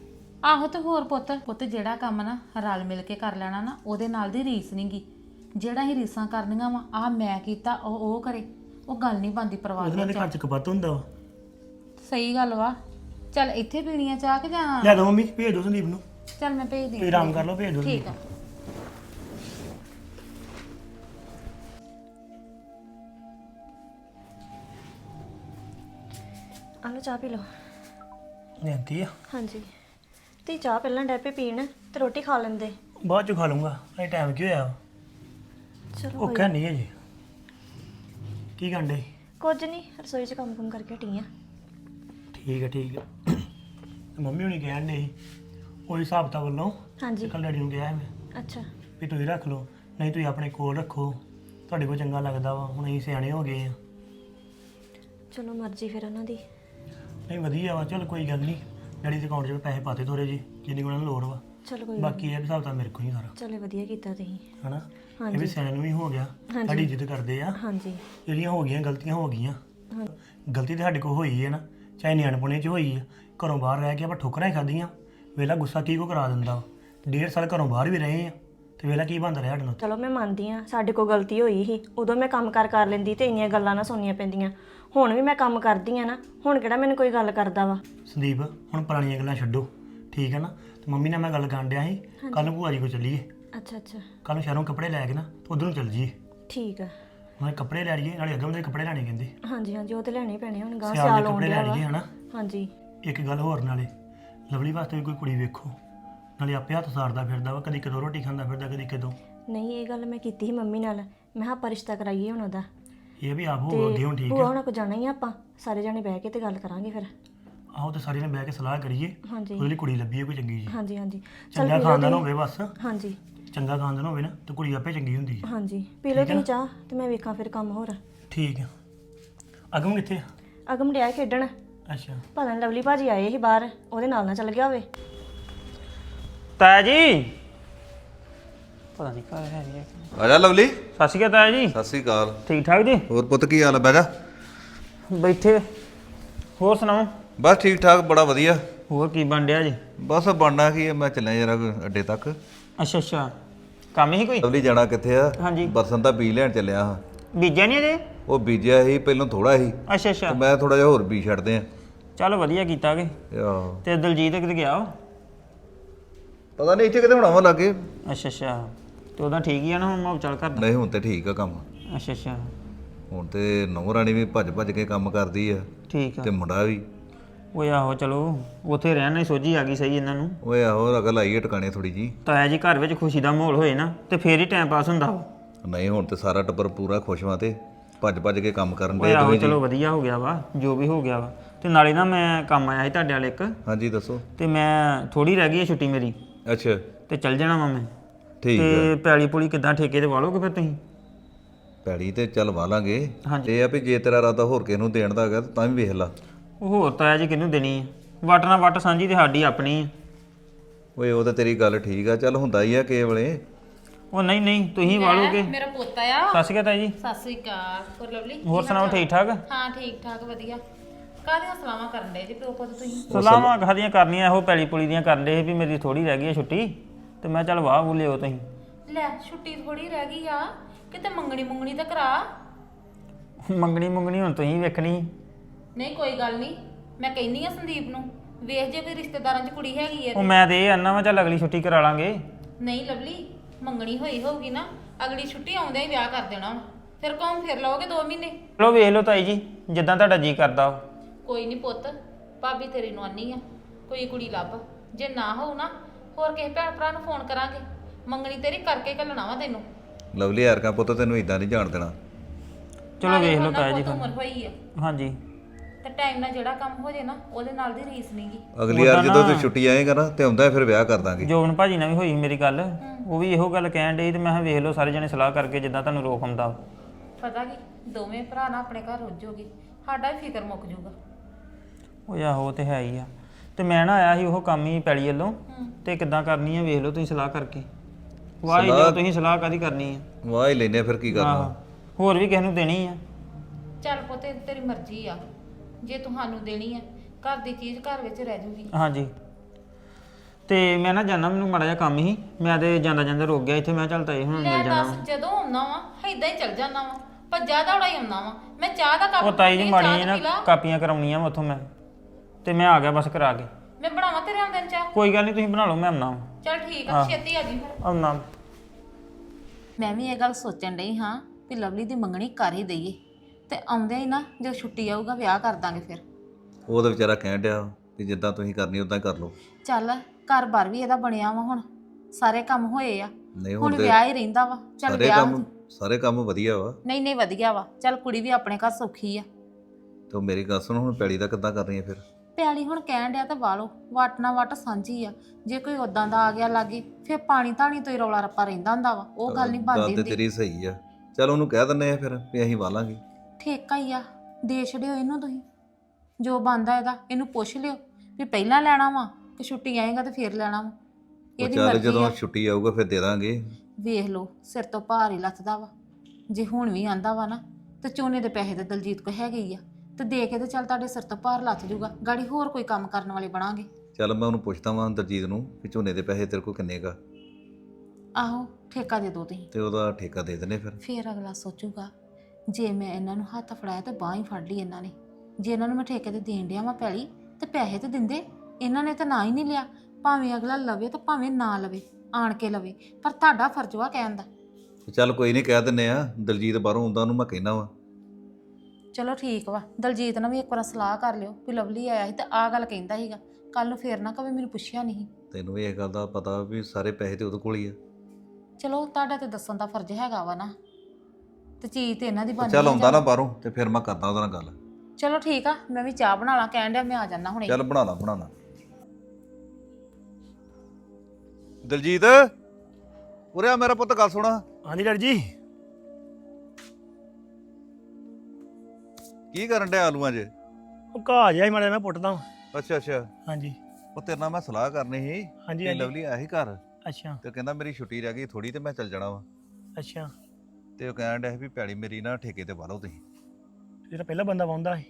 D: ਆਹੋ ਤੇ ਹੋਰ ਪੁੱਤ ਜਿਹੜਾ ਕੰਮ ਨਾ ਰਲ ਮਿਲ ਕੇ ਕਰ ਲੈਣਾ ਨਾ ਉਹਦੇ ਨਾਲ ਦੀ ਰੀਸ ਨਹੀਂਗੀ ਜਿਹੜਾ ਹੀ ਰੀਸਾਂ ਕਰਨੀਆਂ ਵਾ ਆਹ ਮੈਂ ਕੀਤਾ ਉਹ ਕਰੇ ਉਹ ਗੱਲ ਨਹੀਂ ਬਣਦੀ ਪਰਿਵਾਰ
E: ਉਹਦੇ ਨਾਲ
D: ਵਿੱਚ
E: ਘਰ ਚ ਕਪੱਤ ਹੁੰਦਾ ਵਾ
D: ਸਹੀ ਗੱਲ ਵਾ ਚੱਲ ਇੱਥੇ ਪੀਣੀ ਆ ਚਾਹ ਕਿ ਜਾਂ
E: ਲੈ ਦੋ ਮੰਮੀ ਭੇਜ ਦੋ ਸੰਦੀਪ ਨੂੰ
D: ਚੱਲ ਮੈਂ ਭੇਜਦੀ
E: ਤੁਸੀਂ ਆਰਾਮ ਕਰ ਲਓ ਭੇਜ ਦੋ
D: ਠੀਕ ਆ
F: ਆਲੋ ਚਾਹ ਪੀ ਲਓ
E: ਲੈਂਦੀ ਆ
F: ਹਾਂਜੀ ਤੇ ਚਾਹ ਪਹਿਲਾਂ ਡੈਪੇ ਪੀਣ ਤੇ ਰੋਟੀ ਖਾ ਲੈਂਦੇ
E: ਬਾਅਦ ਚ ਖਾ ਲੂੰਗਾ ਅਜੇ ਟਾਈਮ ਕੀ ਹੋਇਆ
F: ਚਲੋ
E: ਉਹ ਕਹਿ ਨਹੀਂ ਹੈ ਜੀ ਕੀ ਗੰਡੇ
F: ਕੁਝ ਨਹੀਂ ਰਸੋਈ 'ਚ ਕੰਮ ਕਰਕੇ ਹਟੀ ਆ
E: ਠੀਕ ਹੈ ਠੀਕ ਹੈ ਮੰਮੀ ਹੁਣੀ ਕਹਿਣ ਦੇ ਉਹ ਹਿਸਾਬ ਤਾਂ ਵੱਲੋਂ
F: ਹਾਂਜੀ
E: ਕੱਲ ਡੈਡੀ ਨੂੰ ਕਿਹਾ ਮੈਂ
F: ਅੱਛਾ
E: ਵੀ ਤੁਸੀਂ ਰੱਖ ਲਓ ਨਹੀਂ ਤੁਸੀਂ ਆਪਣੇ ਕੋਲ ਰੱਖੋ ਤੁਹਾਡੇ ਕੋਲ ਚੰਗਾ ਲੱਗਦਾ ਵਾ ਹੁਣ ਅਸੀਂ ਸਿਆਣੇ ਹੋ ਗਏ ਆ।
F: ਚਲੋ ਮਰਜ਼ੀ ਫਿਰ ਉਹਨਾਂ ਦੀ।
E: ਨਹੀਂ ਵਧੀਆ ਵਾ, ਚਲ ਕੋਈ ਗੱਲ ਨਹੀਂ। ਡੈਡੀ ਦੇ ਅਕਾਊਂਟ 'ਚ ਪੈਸੇ ਪਾਤੇ ਥੋੜੇ ਜੀ ਜਿੰਨੀ ਕੁ ਉਹਨਾਂ ਨੂੰ ਲੋੜ ਵਾ।
F: ਚਲੋ ਕੋਈ
E: ਬਾਕੀ ਇਹ ਹਿਸਾਬ ਤਾਂ ਮੇਰੇ ਕੋਲ ਹੀ ਸਾਰਾ
F: ਚਲੋ ਵਧੀਆ ਕੀਤਾ ਤੁਸੀਂ।
E: ਹਨਾ। ਇਹ ਵੀ ਸਿਆਣੇ ਨੂੰ ਵੀ ਹੋ ਗਿਆ, ਸਾਡੀ ਇੱਜ਼ਤ ਕਰਦੇ ਆ।
F: ਹਾਂਜੀ
E: ਜਿਹੜੀਆਂ ਹੋ ਗਈਆਂ ਗਲਤੀਆਂ ਹੋ ਗਈਆਂ। ਗਲਤੀ ਤਾਂ ਸਾਡੇ ਕੋਲ ਹੋਈ ਹੈ ਨਾ, ਚਾਹੇ ਨਿਆਣਪੁਣੇ 'ਚ ਹੋਈ ਆ। ਘਰੋਂ ਬਾਹਰ ਰਹਿ ਕੇ ਆਪਾਂ ਠੋਕਰਾਂ ਹੀ ਖਾਧੀਆਂ। ਵੇਲਾ ਗੁੱਸਾ ਕੀ ਕੋ ਕਰਾ ਦਿੰਦਾ ਵਾ। 1.5 ਸਾਲ ਘਰੋਂ ਬਾਹਰ ਵੀ ਰਹੇ ਆ ਤੇ ਵੇਲਾ ਕੀ ਬਣਦਾ ਰਿਹਾ ਸਾਡੇ ਨਾਲ।
F: ਚਲੋ ਮੈਂ ਮੰਨਦੀ ਆ ਸਾਡੇ ਕੋਲ ਗਲਤੀ ਹੋਈ ਸੀ, ਉਦੋਂ ਮੈਂ ਕੰਮ ਕਰ ਲੈਂਦੀ ਤੇ ਇੰਨੀਆਂ ਗੱਲਾਂ ਨਾ ਸੁਣਨੀਆਂ ਪੈਂਦੀਆਂ। ਹੁਣ ਵੀ ਮੈਂ ਕੰਮ ਕਰਦੀ ਆ ਨਾ, ਹੁਣ ਕਿਹੜਾ ਮੈਨੂੰ ਕੋਈ ਗੱਲ ਕਰਦਾ ਵਾ।
E: ਸੰਦੀਪ ਹੁਣ ਪੁਰਾਣੀਆਂ ਗੱਲਾਂ ਛੱਡੋ, ਠੀਕ ਹੈ ਨਾ। ਤੇ ਮੰਮੀ ਨਾਲ ਮੈਂ ਗੱਲ ਕਰਨ ਡਿਆ ਸੀ, ਕੱਲ ਨੂੰ ਭੂਆ ਜੀ ਕੋਲ ਚੱਲੀਏ।
F: ਅੱਛਾ ਅੱਛਾ
E: ਕੱਲ ਨੂੰ ਸ਼ਹਿਰੋਂ ਕੱਪੜੇ ਲੈ ਕੇ ਨਾ ਤੇ ਉਧਰ ਨੂੰ ਚੱਲ ਜੀਏ।
F: ਠੀਕ ਆ।
E: ਮੈਂ ਕੱਪੜੇ ਲੈ ਲਈਏ, ਨਾਲੇ ਅਗਮ ਦੇ ਕੱਪੜੇ ਲੈਣੇ ਕਹਿੰਦੇ।
F: ਹਾਂਜੀ ਹਾਂਜੀ ਉਹ ਤੇ ਲੈਣੇ ਹੀ ਪੈਣੇ ਹੁਣ, ਗਾਂ
E: ਸਿਆਲ
F: ਸਿਆਲ
E: ਦੇ
F: ਆਉਣ
E: ਕੱਪੜੇ ਲੈ
F: ਡਿਆ
E: ਲਈਏ
F: ਵਾ।
E: ਹਨਾ।
F: ਹਾਂਜੀ
E: ਇੱਕ ਗੱਲ ਹੋਰ, ਨਾਲੇ ਲਵਲੀ ਵਾਸਤੇ ਵੀ ਕੋਈ ਕੁੜੀ ਵੇਖੋ। ਨਾਲੇ ਆਪੇ ਹੱਥ ਸਾਰਦਾ ਫਿਰਦਾ ਵਾ, ਕਦੀ ਕਦੋਂ ਰੋਟੀ ਖਾਂਦਾ ਫਿਰਦਾ, ਕਦੀ ਕਦੋਂ।
F: ਨਹੀਂ ਇਹ ਗੱਲ ਮੈਂ ਕੀਤੀ ਸੀ ਮੰਮੀ ਨਾਲ, ਮੈਂ ਕਿਹਾ ਆਪਾਂ ਰਿਸ਼ਤਾ ਕਰਾਈਏ ਹੁਣ ਉਹਦਾ।
E: ਇਹ ਵੀ ਆਪ ਹੋ ਅੱਗੇ ਹੁਣ, ਠੀਕ
F: ਭੂਆ
E: ਹੈ।
F: ਹੁਣਾਂ ਕੋਲ ਜਾਣਾ ਹੀ ਆ ਆਪਾਂ, ਸਾਰੇ ਜਾਣੇ ਬਹਿ ਕੇ ਤੇ ਗੱਲ ਕਰਾਂਗੇ ਫਿਰ।
E: ਆਹੋ ਤੇ ਸਾਰੇ ਨੇ ਬਹਿ ਕੇ ਸਲਾਹ ਕਰੀਏ,
F: ਹਾਂਜੀ
E: ਉਹਦੇ ਲਈ ਕੁੜੀ ਲੱਭੀਏ ਕੋਈ ਚੰਗੀ ਜੀ।
F: ਹਾਂਜੀ ਹਾਂਜੀ
E: ਚੰਗਾ ਖਾਨਦਾਨ ਹੋਵੇ ਬਸ,
F: ਹਾਂਜੀ
E: ਚੰਗਾ ਖਾਨਦਾਨ ਹੋਵੇ ਨਾ ਤੇ ਕੁੜੀ ਆਪੇ ਚੰਗੀ ਹੁੰਦੀ ਹੈ।
F: ਹਾਂਜੀ ਪੀ ਲਓ ਤੁਸੀਂ ਚਾਹ ਤੇ ਮੈਂ ਵੇਖਾਂ ਫਿਰ ਕੰਮ ਹੋਰ।
E: ਠੀਕ ਹੈ। ਅਗਮ ਕਿੱਥੇ ਆ?
F: ਅਗਮ ਡਿਆ ਖੇਡਣ।
E: ਅੱਛਾ।
F: ਪਤਾ ਨਹੀਂ ਲਵਲੀ ਭਾਜੀ ਆਏ ਸੀ ਬਾਹਰ, ਉਹਦੇ ਨਾਲ ਨਾ ਚੱਲ ਗਿਆ ਹੋਵੇ।
A: ਤਾਇਆ ਜੀ ਪਤਾ ਨਹੀਂ ਘਰ ਹੈ ਨਹੀਂ।
G: ਆ ਜਾ ਲਵਲੀ।
A: ਸਤਿ ਸ਼੍ਰੀ ਅਕਾਲ ਤਾਇਆ ਜੀ।
G: ਸਤਿ ਸ੍ਰੀ ਅਕਾਲ।
A: ਠੀਕ ਠਾਕ ਜੀ?
G: ਹੋਰ ਪੁੱਤ ਕੀ ਹਾਲ ਹੈ? ਬਹਿ ਜਾ।
A: ਬੈਠੇ। ਹੋਰ ਸੁਣਾਓ?
G: ਬਸ ਠੀਕ ਠਾਕ, ਬੜਾ ਵਧੀਆ।
A: ਹੋਰ ਕੀ ਬਣ ਡਿਆ ਜੀ?
G: ਬਸ ਬਣਨਾ ਕੀ ਹੈ, ਮੈਂ ਚੱਲਿਆ ਜਰਾ ਅੱਡੇ ਤੱਕ।
A: ਅੱਛਾ ਅੱਛਾ, ਕੰਮ ਹੀ ਕੋਈ?
G: ਲਵਲੀ ਜਾਣਾ ਕਿੱਥੇ ਆ?
A: ਹਾਂਜੀ।
G: ਬਰਸਨ ਦਾ ਬੀਜ ਲੈਣ ਚੱਲਿਆ ਹਾਂ।
A: ਬੀਜਿਆ ਨਹੀਂ ਅਜੇ?
G: ਉਹ ਬੀਜਿਆ ਸੀ ਪਹਿਲਾਂ ਥੋੜਾ ਸੀ,
A: ਅੱਛਾ ਅੱਛਾ,
G: ਤੇ ਮੈਂ ਥੋੜਾ ਜਿਹਾ ਹੋਰ ਬੀਜ ਛੱਡਦੇ ਆ।
A: ਚੱਲ ਵਧੀਆ ਕੀਤਾ ਕਿ।
G: ਆਹੋ।
A: ਤੇ ਦਲਜੀਤ ਕਿਤੇ ਗਿਆ ਉਹ?
G: ਪਤਾ ਨਹੀਂ ਇੱਥੇ ਕਿਤੇ ਹੋਣਾ ਵਾ ਲੱਗੇ।
A: ਅੱਛਾ ਅੱਛਾ, ਤੇ ਉਹਦਾ ਠੀਕ ਹੀ ਆ ਨਾ ਹੁਣ ਮਾਹੌਲ ਚੱਲ ਕਰਦਾ?
G: ਨਹੀਂ ਹੁਣ ਤੇ ਠੀਕ ਆ ਕੰਮ।
A: ਅੱਛਾ ਅੱਛਾ,
G: ਹੁਣ ਤੇ ਨੌ ਰਾਣੀ ਵੀ ਭੱਜ ਭੱਜ ਕੇ ਕੰਮ ਕਰਦੀ ਆ,
A: ਠੀਕ ਆ।
G: ਤੇ ਮੁੰਡਾ ਵੀ।
A: ਓਏ ਆਹੋ, ਚਲੋ ਉੱਥੇ ਰਹਿਣ ਨਾਲ ਸੋਝੀ ਆ ਗਈ ਸਹੀ ਇਹਨਾਂ ਨੂੰ।
G: ਓਏ ਆਹੋ ਅਗਲ ਆਈ ਹੈ ਟਿਕਾਣੇ ਥੋੜੀ ਜੀ।
A: ਤਾਇਆ ਜੀ ਘਰ ਵਿੱਚ ਖੁਸ਼ੀ ਦਾ ਮਾਹੌਲ ਹੋਏ ਨਾ ਤੇ ਫੇਰ ਹੀ ਟਾਈਮ ਪਾਸ ਹੁੰਦਾ ਵਾ।
G: ਨਹੀਂ ਹੁਣ ਤੇ ਸਾਰਾ ਟੱਬਰ ਪੂਰਾ ਖੁਸ਼ ਵਾ ਤੇ ਭੱਜ ਭੱਜ ਕੇ ਕੰਮ ਕਰਨ
A: ਓਏ
G: ਦੇ
A: ਆਹੋ,
G: ਦੋਵੇਂ ਜੀ।
A: ਚਲੋ ਵਧੀਆ ਹੋ ਗਿਆ ਵਾ ਜੋ ਵੀ ਹੋ ਗਿਆ ਵਾ। ਤੇ ਨਾਲੇ ਨਾ ਮੈਂ ਕੰਮ ਆਇਆ ਸੀ ਤੁਹਾਡੇ ਵਾਲੇ ਇੱਕ,
G: ਹਾਂਜੀ ਦੱਸੋ।
A: ਤੇ ਮੈਂ ਥੋੜੀ ਰਹਿ ਗਈ ਹੈ ਛੁੱਟੀ ਮੇਰੀ,
G: ਅੱਛਾ
A: ਤੇ ਚੱਲ ਜਾਣਾ ਵਾ ਮੈਂ।
G: ਠੀਕ ਆ।
A: ਤੇ ਪੈਲੀ ਪੁਲੀ ਕਿੱਦਾਂ ਠੇਕੇ ਤੇ ਵਾਲੋਗੇ ਫਿਰ ਤੁਸੀਂ?
G: ਪੈੜੀ ਤੇ ਚੱਲ ਵਾਲਾਂਗੇ।
A: ਹਾਂਜੀ।
G: ਇਹ ਆ ਵੀ ਜੇ ਤੇਰਾ ਇਰਾਦਾ ਹੋਰ ਕਿਸੇ ਨੂੰ ਦੇਣ ਦਾ ਹੈਗਾ ਤਾਂ ਵੀ ਵੇਖ ਲਾ।
A: ਉਹ ਹੋਰ ਤਾਇਆ ਜੀ ਕਿਹਨੂੰ ਦੇਣੀ ਹੈ? ਵੱਟ ਨਾਲ ਵੱਟ ਸਾਂਝੀ ਤੇ ਸਾਡੀ ਆਪਣੀ ਹੈ।
G: ਓਏ ਉਹ ਤਾਂ ਤੇਰੀ ਗੱਲ ਠੀਕ ਆ, ਚੱਲ ਹੁੰਦਾ ਹੀ ਆ ਕਿਸੇ ਵੇਲੇ।
A: ਉਹ ਨਹੀਂ ਨਹੀਂ, ਤੁਸੀਂ ਵਾਲੋਗੇ।
D: ਮੇਰਾ ਪੋਤਾ ਆ।
A: ਸਤਿ ਸ਼੍ਰੀ ਅਕਾਲ ਤਾਇਆ ਜੀ।
D: ਸਤਿ ਸ੍ਰੀ ਅਕਾਲ। ਹੋਰ ਲਵਲੀ?
A: ਹੋਰ ਸੁਣਾਓ, ਠੀਕ ਠਾਕ?
D: ਹਾਂ ਠੀਕ ਠਾਕ ਵਧੀਆ। ਕਾਹਦੀਆਂ ਸਲਾਹਾਂ ਕਰਨ ਦੇ ਜੀ ਪਿਓ ਪੁੱਤ ਤੁਸੀਂ?
A: ਸਲਾਮਾਂ ਕਾਹਦੀਆਂ ਕਰਨੀਆਂ, ਇਹੋ ਪੈਲੀ ਪੁਲੀ ਦੀਆਂ ਕਰਨ ਦੇ ਵੀ ਮੇਰੀ ਥੋੜੀ ਰਹਿ ਗਈ ਹੈ ਛੁੱਟੀ, ਤੇ ਮੈਂ ਚੱਲ ਵਾਹ ਲਿਓ ਤੁਸੀਂ।
D: ਲੈ ਛੁੱਟੀ ਥੋੜੀ ਰਹਿ ਗਈ ਆ, ਕਿਤੇ ਮੰਗਣੀ ਤਾਂ ਕਰਾ।
A: ਮੰਗਣੀ ਹੁਣ ਤੁਸੀਂ ਵੇਖਣੀ।
D: ਨਹੀਂ ਕੋਈ ਗੱਲ ਨਹੀਂ, ਮੈਂ ਕਹਿੰਦੀ ਆ ਸੰਦੀਪ ਨੂੰ ਵੇਖ ਜੇ ਕੋਈ ਰਿਸ਼ਤੇਦਾਰਾਂ 'ਚ ਕੁੜੀ ਹੈਗੀ
A: ਉਹ
D: ਹੈ।
A: ਮੈਂ ਤੇ ਇਹ ਆਨਾ ਵਾ ਚੱਲ ਅਗਲੀ ਛੁੱਟੀ ਕਰਾ ਲਾਂਗੇ।
D: ਨਹੀਂ ਲਵਲੀ, ਮੰਗਣੀ ਹੋਈ ਹੋਊਗੀ ਨਾ, ਅਗਲੀ ਛੁੱਟੀ ਆਉਂਦਿਆਂ ਹੀ ਵਿਆਹ ਕਰ ਦੇਣਾ ਵਾ। ਫਿਰ ਕੌਣ ਫਿਰ ਲਓਗੇ 2 ਮਹੀਨੇ?
A: ਚਲੋ ਵੇਖ ਲਓ ਤਾਈ ਜੀ, ਜਿੱਦਾਂ ਤੁਹਾਡਾ ਜੀ ਕਰਦਾ।
D: ਕੋਈ ਨਹੀਂ ਪੁੱਤ, ਭਾਬੀ ਤੇਰੀ ਨੂੰ ਆਨੀ ਆ ਕੋਈ ਕੁੜੀ ਲੱਭ। ਜੇ ਨਾ ਹੋਊ ਨਾ ਹੋਰ ਕਿਸੇ ਭੈਣ ਭਰਾ ਨੂੰ ਫੋਨ ਕਰਾਂਗੇ, ਮੰਗਣੀ ਤੇਰੀ ਕਰਕੇ ਘੱਲਣਾ ਵਾ ਤੈਨੂੰ।
G: ਲਵਲੀ ਯਾਰਕਾ ਪੁੱਤ ਤੈਨੂੰ ਇਦਾਂ ਨਹੀਂ ਜਾਣ ਦੇਣਾ।
A: ਚਲੋ ਵੇਖ ਲਓ
D: ਨਾਲੇ
A: ਤਾਇਆ ਜੀ
D: ਪੁੱਤ ਉਮਰ
A: ਫਿਰ।
D: ਹੋਈ ਆ
A: ਹਾਂਜੀ।
D: ਤੇ ਟਾਈਮ ਨਾਲ ਜਿਹੜਾ ਕੰਮ ਹੋ ਜੇ ਨਾ ਉਹਦੇ ਨਾਲ ਦੀ ਰੀਸ ਨਹੀਂਗੀ।
G: ਅਗਲੀ ਵਾਰ ਜਦੋਂ ਤੂੰ ਛੁੱਟੀ ਆਏਗਾ ਨਾ ਤੇ ਆਉਂਦਾ ਫਿਰ ਵਿਆਹ ਕਰ ਦਾਂਗੇ।
A: ਜੋਬਨ ਭਾਜੀ ਨਾਲ ਵੀ ਹੋਈ ਮੇਰੀ ਗੱਲ, ਉਹ ਵੀ ਇਹੋ ਗੱਲ ਕਹਿਣ ਡੇ ਤੇ ਮੈਂ ਕਿਹਾ ਵੇਖ ਲਓ ਸਾਰੇ ਜਣੇ ਸਲਾਹ ਕਰਕੇ ਜਿੱਦਾਂ ਤੁਹਾਨੂੰ ਰੋਕ ਹੁੰਦਾ।
D: ਪਤਾ ਕੀ ਦੋਵੇਂ ਭਰਾ ਨਾ ਆਪਣੇ ਘਰ ਰੁੱਝੋਗੇ, ਸਾਡਾ ਵੀ ਫਿਕਰ ਮੁੱਕ ਜਾਊਗਾ।
A: ਉਹ ਆਹੋ ਤੇ ਹੈ ਹੀ ਆ। ਤੇ ਮੈਂ ਨਾ ਆਇਆ ਸੀ ਉਹ ਕੰਮ ਹੀ ਪੈਲੀ ਵੱਲੋਂ, ਤੇ ਕਿੱਦਾਂ ਕਰਨੀ ਹੈ ਵੇਖ ਲਓ ਤੁਸੀਂ ਸਲਾਹ ਕਰਕੇ। ਵਾਹ ਹੀ ਲਿਓ ਤੁਸੀਂ, ਸਲਾਹ ਕਾਹਦੀ ਕਰਨੀ ਹੈ?
G: ਵਾਹ ਹੀ ਲੈਨੇ ਫਿਰ ਕੀ ਕਰਨਾ।
A: ਆਹੋ, ਹੋਰ ਵੀ ਕਿਸੇ ਨੂੰ ਦੇਣੀ ਆ।
D: ਚੱਲ ਪੁੱਤੇ ਤੇਰੀ ਮਰਜ਼ੀ ਆ, ਜੇ ਤੁਹਾਨੂੰ ਦੇਣੀ ਆ ਘਰ ਦੀ ਚੀਜ਼ ਘਰ ਵਿੱਚ ਰਹਿ ਜੂਗੀ।
A: ਹਾਂਜੀ। ਤੇ ਮੈਂ ਨਾ ਜਾਣਾ, ਮੈਨੂੰ ਮਾੜਾ ਜਿਹਾ ਕੰਮ ਸੀ, ਮੈਂ ਤੇ ਜਾਂਦਾ ਜਾਂਦਾ ਰੁਕ ਗਿਆ ਇੱਥੇ। ਮੈਂ ਚੱਲ ਤਾਏ ਹੁਣ
D: ਲੈ
A: ਮਿਲ ਜਾਣਾ
D: ਦੱਸ, ਜਦੋਂ ਆਉਣਾ ਵਾ ਏਦਾਂ ਹੀ ਚੱਲ ਜਾਣਾ ਵਾ, ਭੱਜਾ ਦੌੜਾ ਹੀ ਆਉਣਾ ਵਾ। ਮੈਂ ਚਾਹ ਦਾ ਕੱਪ
A: ਉਹ ਤਾਈ ਜੀ
D: ਪੀਣੀ,
A: ਮਾੜੀਆਂ
D: ਚਾਹ
A: ਜਿਹੀ
D: ਤਾਂ
A: ਨਾ
D: ਪੀ ਲਾ।
A: ਕਾਪੀਆਂ ਕਰਾਉਣੀਆਂ ਵਾ ਉੱਥੋਂ ਮੈਂ, ਤੇ ਮੈਂ ਆ ਗਿਆ ਬਸ ਕਰਾ ਕੇ।
D: ਮੈਂ ਬਣਾਵਾਂ ਤੇਰੇ ਆਉਂਦੇ ਨੂੰ ਚਾਹ?
A: ਕੋਈ ਗੱਲ ਨਹੀਂ, ਤੁਸੀਂ ਬਣਾ ਲਓ, ਮੈਂ ਆਉਣਾ।
D: ਚੱਲ ਠੀਕ ਆ, ਛੇਤੀ ਆ ਜੀ ਫਿਰ।
A: ਆਉਣਾ।
D: ਮੈਂ ਵੀ ਇਹ ਗੱਲ ਸੋਚਣ ਡਈ ਹਾਂ ਵੀ ਲਵਲੀ ਦੀ ਮੰਗਣੀ ਕਰ ਹੀ ਦਈਏ, ਤੇ ਆਉਂਦਿਆਂ ਹੀ ਨਾ ਜਦੋਂ ਛੁੱਟੀ ਆਊਗਾ ਵਿਆਹ ਕਰ ਦਾਂਗੇ ਫਿਰ।
G: ਉਹ ਤਾਂ ਵਿਚਾਰਾ ਕਹਿਣ ਡਿਆ ਵੀ ਜਿੱਦਾਂ ਤੁਸੀਂ ਕਰਨੀ ਉਦਾਂ ਕਰ ਲਓ।
D: ਚੱਲ ਘਰ-ਬਾਰ ਵੀ ਇਹਦਾ ਬਣਿਆ ਵਾ, ਹੁਣ ਸਾਰੇ ਕੰਮ ਹੋਏ ਆ,
G: ਨਹੀਂ
D: ਹੁਣ
G: ਹੁਣ ਤੇ
D: ਵਿਆਹ ਹੀ ਰਹਿੰਦਾ ਵਾ। ਚੱਲ
G: ਸਾਰੇ ਕੰਮ ਵਧੀਆ ਵਾ।
D: ਨਹੀਂ ਵਧੀਆ ਵਾ। ਚੱਲ ਕੁੜੀ ਵੀ ਆਪਣੇ ਘਰ ਸੌਖੀ ਆ।
G: ਤੇ ਮੇਰੀ ਗੱਲ ਸੁਣ, ਹੁਣ ਪੈੜੀ ਦਾ ਕਿੱਦਾਂ ਕਰਨੀ ਹੈ ਫਿਰ?
D: ਪਿਆਲੀ ਹੁਣ ਕਹਿਣ ਡਿਆ ਤਾਂ ਵਾਲੋ, ਵੱਟ ਨਾ ਵੱਟ ਸਾਂਝੀ ਆ। ਜੇ ਕੋਈ ਉਦਾਂ ਦਾ ਆ ਗਿਆ ਲਾਗੇ ਫਿਰ ਪਾਣੀ ਧਾਣੀ ਤੋਂ ਹੀ ਰੌਲਾ ਰੱਪਾ ਰਹਿੰਦਾ ਹੁੰਦਾ ਵਾ, ਉਹ ਗੱਲ ਨਹੀਂ ਬਣਦੀ
G: ਗੱਲ ਤੇ
D: ਹੁੰਦੀ।
G: ਤੇਰੀ ਸਹੀ ਆ, ਚੱਲ ਉਹਨੂੰ ਕਹਿ ਦਿੰਦੇ ਆ ਫਿਰ ਵੀ ਅਸੀਂ ਵਾਲਾਂਗੇ।
D: ਠੇਕਾ ਹੀ ਆ, ਦੇ ਛੜਿਓ ਇਹਨੂੰ ਤੁਸੀਂ। ਜੋ ਬੰਦਾ ਇਹਦਾ ਇਹਨੂੰ ਪੁੱਛ ਲਿਓ ਵੀ ਪਹਿਲਾਂ ਲੈਣਾ ਵਾ ਕਿ ਛੁੱਟੀ ਆਏਗਾ ਤੇ ਫੇਰ ਲੈਣਾ ਵਾ।
G: ਉਹ
D: ਇਹਦੀ
G: ਚੱਲ
D: ਮਰਜ਼ੀ
G: ਜਦੋਂ
D: ਆ।
G: ਛੁੱਟੀ ਆਊਗਾ ਫਿਰ ਦੇ ਦਾਂਗੇ।
D: ਵੇਖ ਲਓ ਸਿਰ ਤੋਂ ਭਾਰ ਹੀ ਲੱਥਦਾ ਵਾ। ਜੇ ਹੁਣ ਵੀ ਆਂਦਾ ਵਾ ਨਾ ਤੇ ਝੋਨੇ ਦੇ ਪੈਸੇ ਤੇ ਦਲਜੀਤ ਕੋ ਹੈਗੇ ਹੀ ਆ, ਤੇ ਦੇ ਕੇ ਤੇ ਚੱਲ ਤੁਹਾਡੇ ਸਿਰ ਤੋਂ ਭਾਰ ਲੱਥ ਜੂਗਾ। ਗਾੜੀ ਹੋਰ ਕੋਈ ਕੰਮ ਕਰਨ ਵਾਲੇ ਬਣਾਂਗੇ।
G: ਚੱਲ ਮੈਂ ਉਹਨੂੰ ਪੁੱਛਦਾ ਵਾਂ ਦਲਜੀਤ ਨੂੰ ਕਿ ਝੋਨੇ ਦੇ ਪੈਸੇ ਤੇਰੇ ਕੋਲ ਕਿੰਨੇ ਕਾ,
D: ਆਹੋ ਠੇਕਾ ਦੇ ਦੋ ਤੁਸੀਂ।
G: ਤੇ ਉਹਦਾ ਠੇਕਾ ਦੇ ਦਿੰਦੇ ਫਿਰ।
D: ਫੇਰ ਅਗਲਾ ਸੋਚੂਗਾ ਜੇ ਮੈਂ ਇਹਨਾਂ ਨੂੰ ਹੱਥ ਫੜਾਇਆ ਤੇ ਬਾਂਹ ਹੀ ਫੜ ਲਈ ਇਹਨਾਂ ਨੇ। ਜੇ ਇਹਨਾਂ ਨੂੰ ਮੈਂ ਠੇਕੇ ਤੇ ਦੇਣ ਡਿਆ ਵਾਂ ਪੈਲੀ ਤੇ ਪੈਸੇ ਤੇ ਦਿੰਦੇ, ਇਹਨਾਂ ਨੇ ਤਾਂ ਨਾ ਹੀ ਨਹੀਂ ਲਿਆ। ਭਾਵੇਂ ਅਗਲਾ ਲਵੇ ਤੇ ਭਾਵੇਂ ਨਾ ਲਵੇ, ਆਣ ਕੇ ਲਵੇ, ਪਰ ਤੁਹਾਡਾ ਫਰਜ਼ ਵਾ ਕਹਿਣ ਦਾ।
G: ਤੇ ਚੱਲ ਕੋਈ ਨਹੀਂ ਕਹਿ ਦਿੰਦੇ ਆ, ਦਲਜੀਤ ਬਾਹਰੋਂ ਆਉਂਦਾ ਉਹਨੂੰ ਮੈਂ ਕਹਿਣਾ ਵਾ।
D: ਚਲੋ ਠੀਕ ਵਾ, ਦਲਜੀਤ ਨਾਲ ਵੀ ਇੱਕ ਵਾਰ ਸਲਾਹ ਕਰ ਲਿਓ ਵੀ ਲਵਲੀ ਆਇਆ ਸੀ ਤੇ ਆਹ ਗੱਲ ਕਹਿੰਦਾ ਸੀਗਾ। ਕੱਲ ਨੂੰ ਫੇਰ ਨਾ ਕਵੇ ਮੈਨੂੰ ਪੁੱਛਿਆ ਨਹੀਂ।
G: ਤੈਨੂੰ ਵੀ ਇਹ ਗੱਲ ਦਾ ਪਤਾ ਵੀ ਸਾਰੇ ਪੈਸੇ ਤੇ ਉਹਦੇ ਕੋਲ ਹੀ ਆ।
D: ਚਲੋ ਤੁਹਾਡਾ ਤੇ ਦੱਸਣ ਦਾ ਫਰਜ਼ ਹੈਗਾ ਵਾ ਨਾ, ਤੇ ਚੀਜ਼ ਤੇ ਇਹਨਾਂ ਦੀ ਬਣਦੀ
G: ਚੱਲ
D: ਆ
G: ਆਉਂਦਾ ਨਾ ਬਾਹਰੋਂ ਤੇ ਫਿਰ ਮੈਂ ਕਰਦਾ ਉਹਦੇ ਨਾਲ ਗੱਲ।
D: ਚਲੋ ਠੀਕ ਆ, ਮੈਂ ਵੀ ਚਾਹ ਬਣਾ ਲਾਂ, ਕਹਿਣ ਡਿਆ ਮੈਂ ਆ ਜਾਣਾ ਹੁਣੇ।
G: ਚੱਲ ਬਣਾ ਲਾ। ਦਲਜੀਤ ਉਰੇ ਆ ਮੇਰਾ ਪੁੱਤ, ਗੱਲ ਸੁਣ।
E: ਹਾਂਜੀ ਡੈਡੀ ਜੀ।
G: ਕੀ ਕਰਨ ਡਿਆ ਆਲੂਆਂ 'ਚ?
E: ਉਹ ਘਾਹ ਜਿਹਾ ਹੀ ਮਾੜਾ ਮੈਂ ਪੁੱਟਦਾ ਵਾਂ।
G: ਅੱਛਾ
E: ਹਾਂਜੀ
G: ਉਹ ਤੇਰੇ ਨਾਲ ਮੈਂ ਸਲਾਹ ਕਰਨੀ ਸੀ।
E: ਹਾਂਜੀ
G: ਕਿ
E: ਹਾਂਜੀ।
G: ਲਵਲੀ ਆਇਆ ਸੀ ਘਰ
E: ਅੱਛਾ
G: ਤੇ ਕਹਿੰਦਾ ਮੇਰੀ ਛੁੱਟੀ ਰਹਿ ਗਈ ਥੋੜੀ ਤੇ ਮੈਂ ਚੱਲ ਜਾਣਾ ਵਾ।
E: ਅੱਛਾ।
G: ਤੇ ਉਹ ਕਹਿਣ ਡਿਆ ਸੀ ਵੀ ਪੈਲੀ ਮੇਰੀ ਨਾ ਠੇਕੇ ਤੇ ਵਾਲੋ ਤੁਸੀਂ।
E: ਜਿਹੜਾ ਪਹਿਲਾ ਬੰਦਾ ਪਾਉਂਦਾ ਸੀ।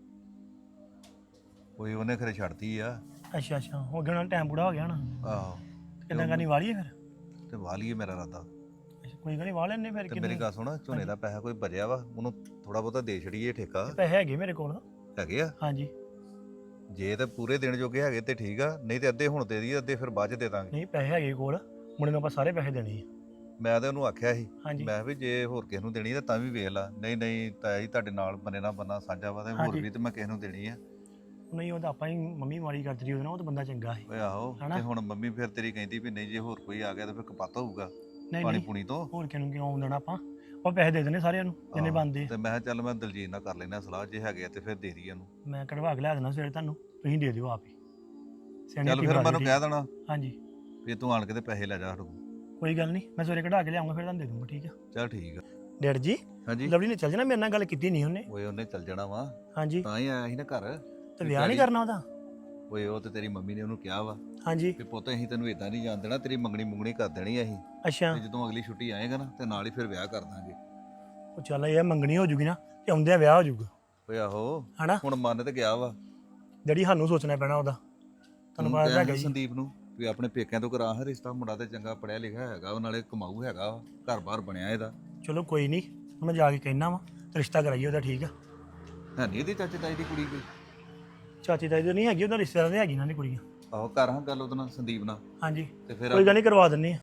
G: ਕੋਈ ਉਹਨੇ ਖਰੇ ਛੱਡਤੀ ਆ।
E: ਅੱਛਾ ਅੱਛਾ, ਹੋ ਗਿਆ ਨਾ ਟਾਈਮ ਪੂਰਾ ਹੋ ਗਿਆ ਨਾ।
G: ਆਹੋ
E: ਕਿੰਨਾ ਕਰਨੀ ਵਾਲੀ ਹੈ ਫਿਰ?
G: ਤੇ ਵਾਲੀਏ ਮੇਰਾ ਇਰਾਦਾ।
E: ਅੱਛਾ, ਕੋਈ ਗੱਲ ਨਹੀਂ ਵਾਹ ਲੈਣੇ ਫਿਰ।
G: ਤੇ ਮੇਰੀ ਗੱਲ ਸੁਣ, ਝੋਨੇ ਦਾ ਪੈਸਾ ਕੋਈ ਬਚਿਆ ਵਾ ਉਹਨੂੰ ਥੋੜਾ ਬਹੁਤਾ ਦੇ ਛੜੀਏ ਠੇਕਾ।
E: ਪੈਸੇ ਹੈਗੇ ਮੇਰੇ ਕੋਲ।
G: ਹੈਗੇ ਆ?
E: ਹਾਂਜੀ।
G: ਜੇ ਤੇ ਪੂਰੇ ਦਿਨ ਜੋਗੇ ਹੈਗੇ ਤੇ ਠੀਕ ਆ, ਨਹੀਂ ਤੇ ਅੱਧੇ ਹੁਣ ਦੇ ਦਈਏ, ਅੱਧੇ ਫਿਰ ਬਾਅਦ ਚ ਦੇ ਦਾਂਗੇ।
E: ਨਹੀਂ ਪੈਸੇ ਹੈਗੇ ਕੋਲ, ਮੁੰਡੇ ਨੂੰ ਆਪਾਂ ਸਾਰੇ ਪੈਸੇ ਦੇਣੇ ਆ।
G: ਮੈਂ ਤੇ ਉਹਨੂੰ ਆਖਿਆ ਸੀ,
E: ਹਾਂਜੀ।
G: ਮੈਂ ਵੀ ਜੇ ਹੋਰ ਕਿਸੇ ਨੂੰ ਦੇਣੀ ਤਾਂ ਤਾਂ ਵੀ ਵੇਖ ਲਾ। ਨਹੀਂ ਤਾਇਆ ਜੀ ਤੁਹਾਡੇ ਨਾਲ ਬੰਨੇ ਨਾਲ ਬੰਨਾ ਸਾਂਝਾ ਵਾ ਤੇ ਹੋਰ
E: ਹਾਂਜੀ।
G: ਵੀ ਤੇ ਮੈਂ ਕਿਸੇ ਨੂੰ ਦੇਣੀ ਆ।
E: ਨਹੀਂ ਉਹ ਤਾਂ ਆਪਾਂ ਹੀ ਮੰਮੀ ਮਾਰੀ ਕਰਦੀ ਉਹਦੇ ਨਾਲ, ਉਹ ਤਾਂ ਬੰਦਾ ਚੰਗਾ ਸੀ।
G: ਓਏ ਆਹੋ,
E: ਹਨਾ?
G: ਤੇ ਹੁਣ ਮੰਮੀ ਫਿਰ ਤੇਰੀ ਕਹਿੰਦੀ ਵੀ ਨਹੀਂ ਜੇ ਹੋਰ ਕੋਈ ਆ ਗਿਆ ਤਾਂ ਫਿਰ ਕਪੱਤ ਹੋਊਗਾ
E: ਨਹੀਂ
G: ਪਾਣੀ
E: ਨਹੀਂ,
G: ਪੂਣੀ ਤੋਂ।
E: ਹੋਰ ਕਿਹਨੂੰ ਕਿਉਂ ਦੇਣਾ ਆਪਾਂ, ਉਹ ਪੈਸੇ ਦੇ ਦੇਣੇ ਸਾਰਿਆਂ ਨੂੰ ਜਿੰਨੇ
G: ਆਹੋ,
E: ਬਣਦੇ।
G: ਤੇ ਮੈਂ ਕਿਹਾ ਚੱਲ ਮੈਂ ਦਲਜੀਤ ਨਾਲ ਕਰ ਲੈਣਾ ਸਲਾਹ, ਜੇ ਹੈਗੇ ਆ ਤੇ ਫਿਰ ਦੇ ਦਈਏ ਉਹਨੂੰ।
E: ਮੈਂ ਕਢਵਾ ਕੇ ਲਿਆ ਦੇਣਾ ਸਵੇਰੇ ਤੁਹਾਨੂੰ, ਤੁਸੀਂ ਦੇ ਦਿਓ ਆਪ ਹੀ। ਸਿਆਣੀ
G: ਚੱਲ
E: ਧੀ
G: ਫਿਰ
E: ਬਣਾ
G: ਮੈਨੂੰ
E: ਦਿਓ,
G: ਕਹਿ ਦੇਣਾ
E: ਹਾਂਜੀ
G: ਵੀ ਤੂੰ ਆਣ ਕੇ ਤੇ ਪੈਸੇ ਲੈ ਜਾ ਸਾਡੇ ਕੋਲ।
E: ਕੋਈ ਗੱਲ ਨਹੀਂ, ਮੈਂ ਸਵੇਰੇ ਕਢਾ ਕੇ ਲਿਆਉਂਗਾ ਫਿਰ ਤੁਹਾਨੂੰ ਦੇ ਦੂੰਗਾ। ਠੀਕ ਆ
G: ਚੱਲ ਠੀਕ ਆ।
E: ਡੈਡ ਜੀ।
G: ਹਾਂਜੀ।
E: ਲਵਲੀ ਨੇ ਚੱਲ ਜਾਣਾ, ਮੇਰੇ ਨਾਲ ਗੱਲ ਕੀਤੀ ਨਹੀਂ ਉਹਨੇ।
G: ਓਏ ਉਹਨੇ ਚੱਲ ਜਾਣਾ ਵਾ,
E: ਹਾਂਜੀ।
G: ਤਾਂ ਹੀ ਆਇਆ ਸੀ ਨਾ ਘਰ।
E: ਤੇ ਵਿਆਹ ਨਹੀਂ ਕਰਨਾ ਉਹਦਾ?
G: ਓਏ ਉਹ ਤੇ ਤੇਰੀ ਮੰਮੀ ਨੇ ਉਹਨੂੰ ਕਿਹਾ ਵਾ
E: ਹਾਂਜੀ।
G: ਵੀ ਪੁੱਤ ਅਸੀਂ ਤੈਨੂੰ ਇਦਾਂ ਨਹੀਂ ਜਾਣ ਦੇਣਾ, ਤੇਰੀ ਮੰਗਣੀ ਕਰ ਦੇਣੀ ਅਸੀਂ।
E: ਅੱਛਾ।
G: ਤੇ ਜਦੋਂ ਅਗਲੀ ਛੁੱਟੀ ਆਏਗਾ ਨਾ ਤੇ ਨਾਲ ਹੀ ਫਿਰ ਵਿਆਹ ਕਰ ਦਾਂਗੇ।
E: ਉਹ ਚੱਲ ਇਹ ਮੰਗਣੀ ਹੋ ਜੂਗੀ ਨਾ ਤੇ ਆਉਂਦਿਆਂ ਵਿਆਹ ਹੋ ਜੂਗਾ।
G: ਓਏ ਆਹੋ,
E: ਹਨਾ?
G: ਹੁਣ ਮੰਨ ਤੇ ਗਿਆ ਵਾ।
E: ਜਿਹੜੀ ਸਾਨੂੰ ਸੋਚਣਾ ਪੈਣਾ ਉਹਦਾ, ਤੁਹਾਨੂੰ ਪਤਾ
G: ਕਿਹਾ
E: ਹੈਗਾ
G: ਸੀ
E: ਜੀ।
G: ਸੰਦੀਪ ਨੂੰ ਵੀ ਆਪਣੇ ਪੇਕਿਆਂ ਤੋਂ ਕਰਾ ਹਾਂ ਰਿਸ਼ਤਾ, ਮੁੰਡਾ ਤੇ ਚੰਗਾ ਪੜਿਆ ਲਿਖਿਆ ਹੈਗਾ, ਉਹ ਨਾਲੇ ਕਮਾਊ ਹੈਗਾ, ਘਰ-ਬਾਰ ਬਣਿਆ ਇਹਦਾ।
E: ਚਲੋ ਕੋਈ ਨਹੀਂ, ਮੈਂ ਜਾ ਕੇ ਕਹਿਣਾ ਵਾ ਰਿਸ਼ਤਾ ਕਰਾਈਏ ਉਹਦਾ। ਠੀਕ ਆ?
G: ਹੈ ਨਹੀਂ ਇਹਦੀ ਚਾਚੇ ਤਾਈ ਦੀ ਕੁੜੀ ਕੋਈ?
E: ਚਾਚੀ ਤਾਈ ਦੀ ਨਹੀਂ ਹੈਗੀ, ਉਹਦਾ ਰਿਸ਼ਤੇਦਾਰ ਦੀ ਹੈਗੀ ਇਹਨਾਂ ਦੀ ਕੁੜੀਆਂ।
G: ਆਹੋ, ਕਰ ਹਾਂ ਗੱਲ ਉਹਦੇ ਨਾਲ ਸੰਦੀਪ ਨਾਲ।
E: ਹਾਂਜੀ,
G: ਤੇ ਫਿਰ
E: ਕੋਈ ਗੱਲ ਨਹੀਂ, ਕਰਵਾ ਦਿੰਦੇ ਆ।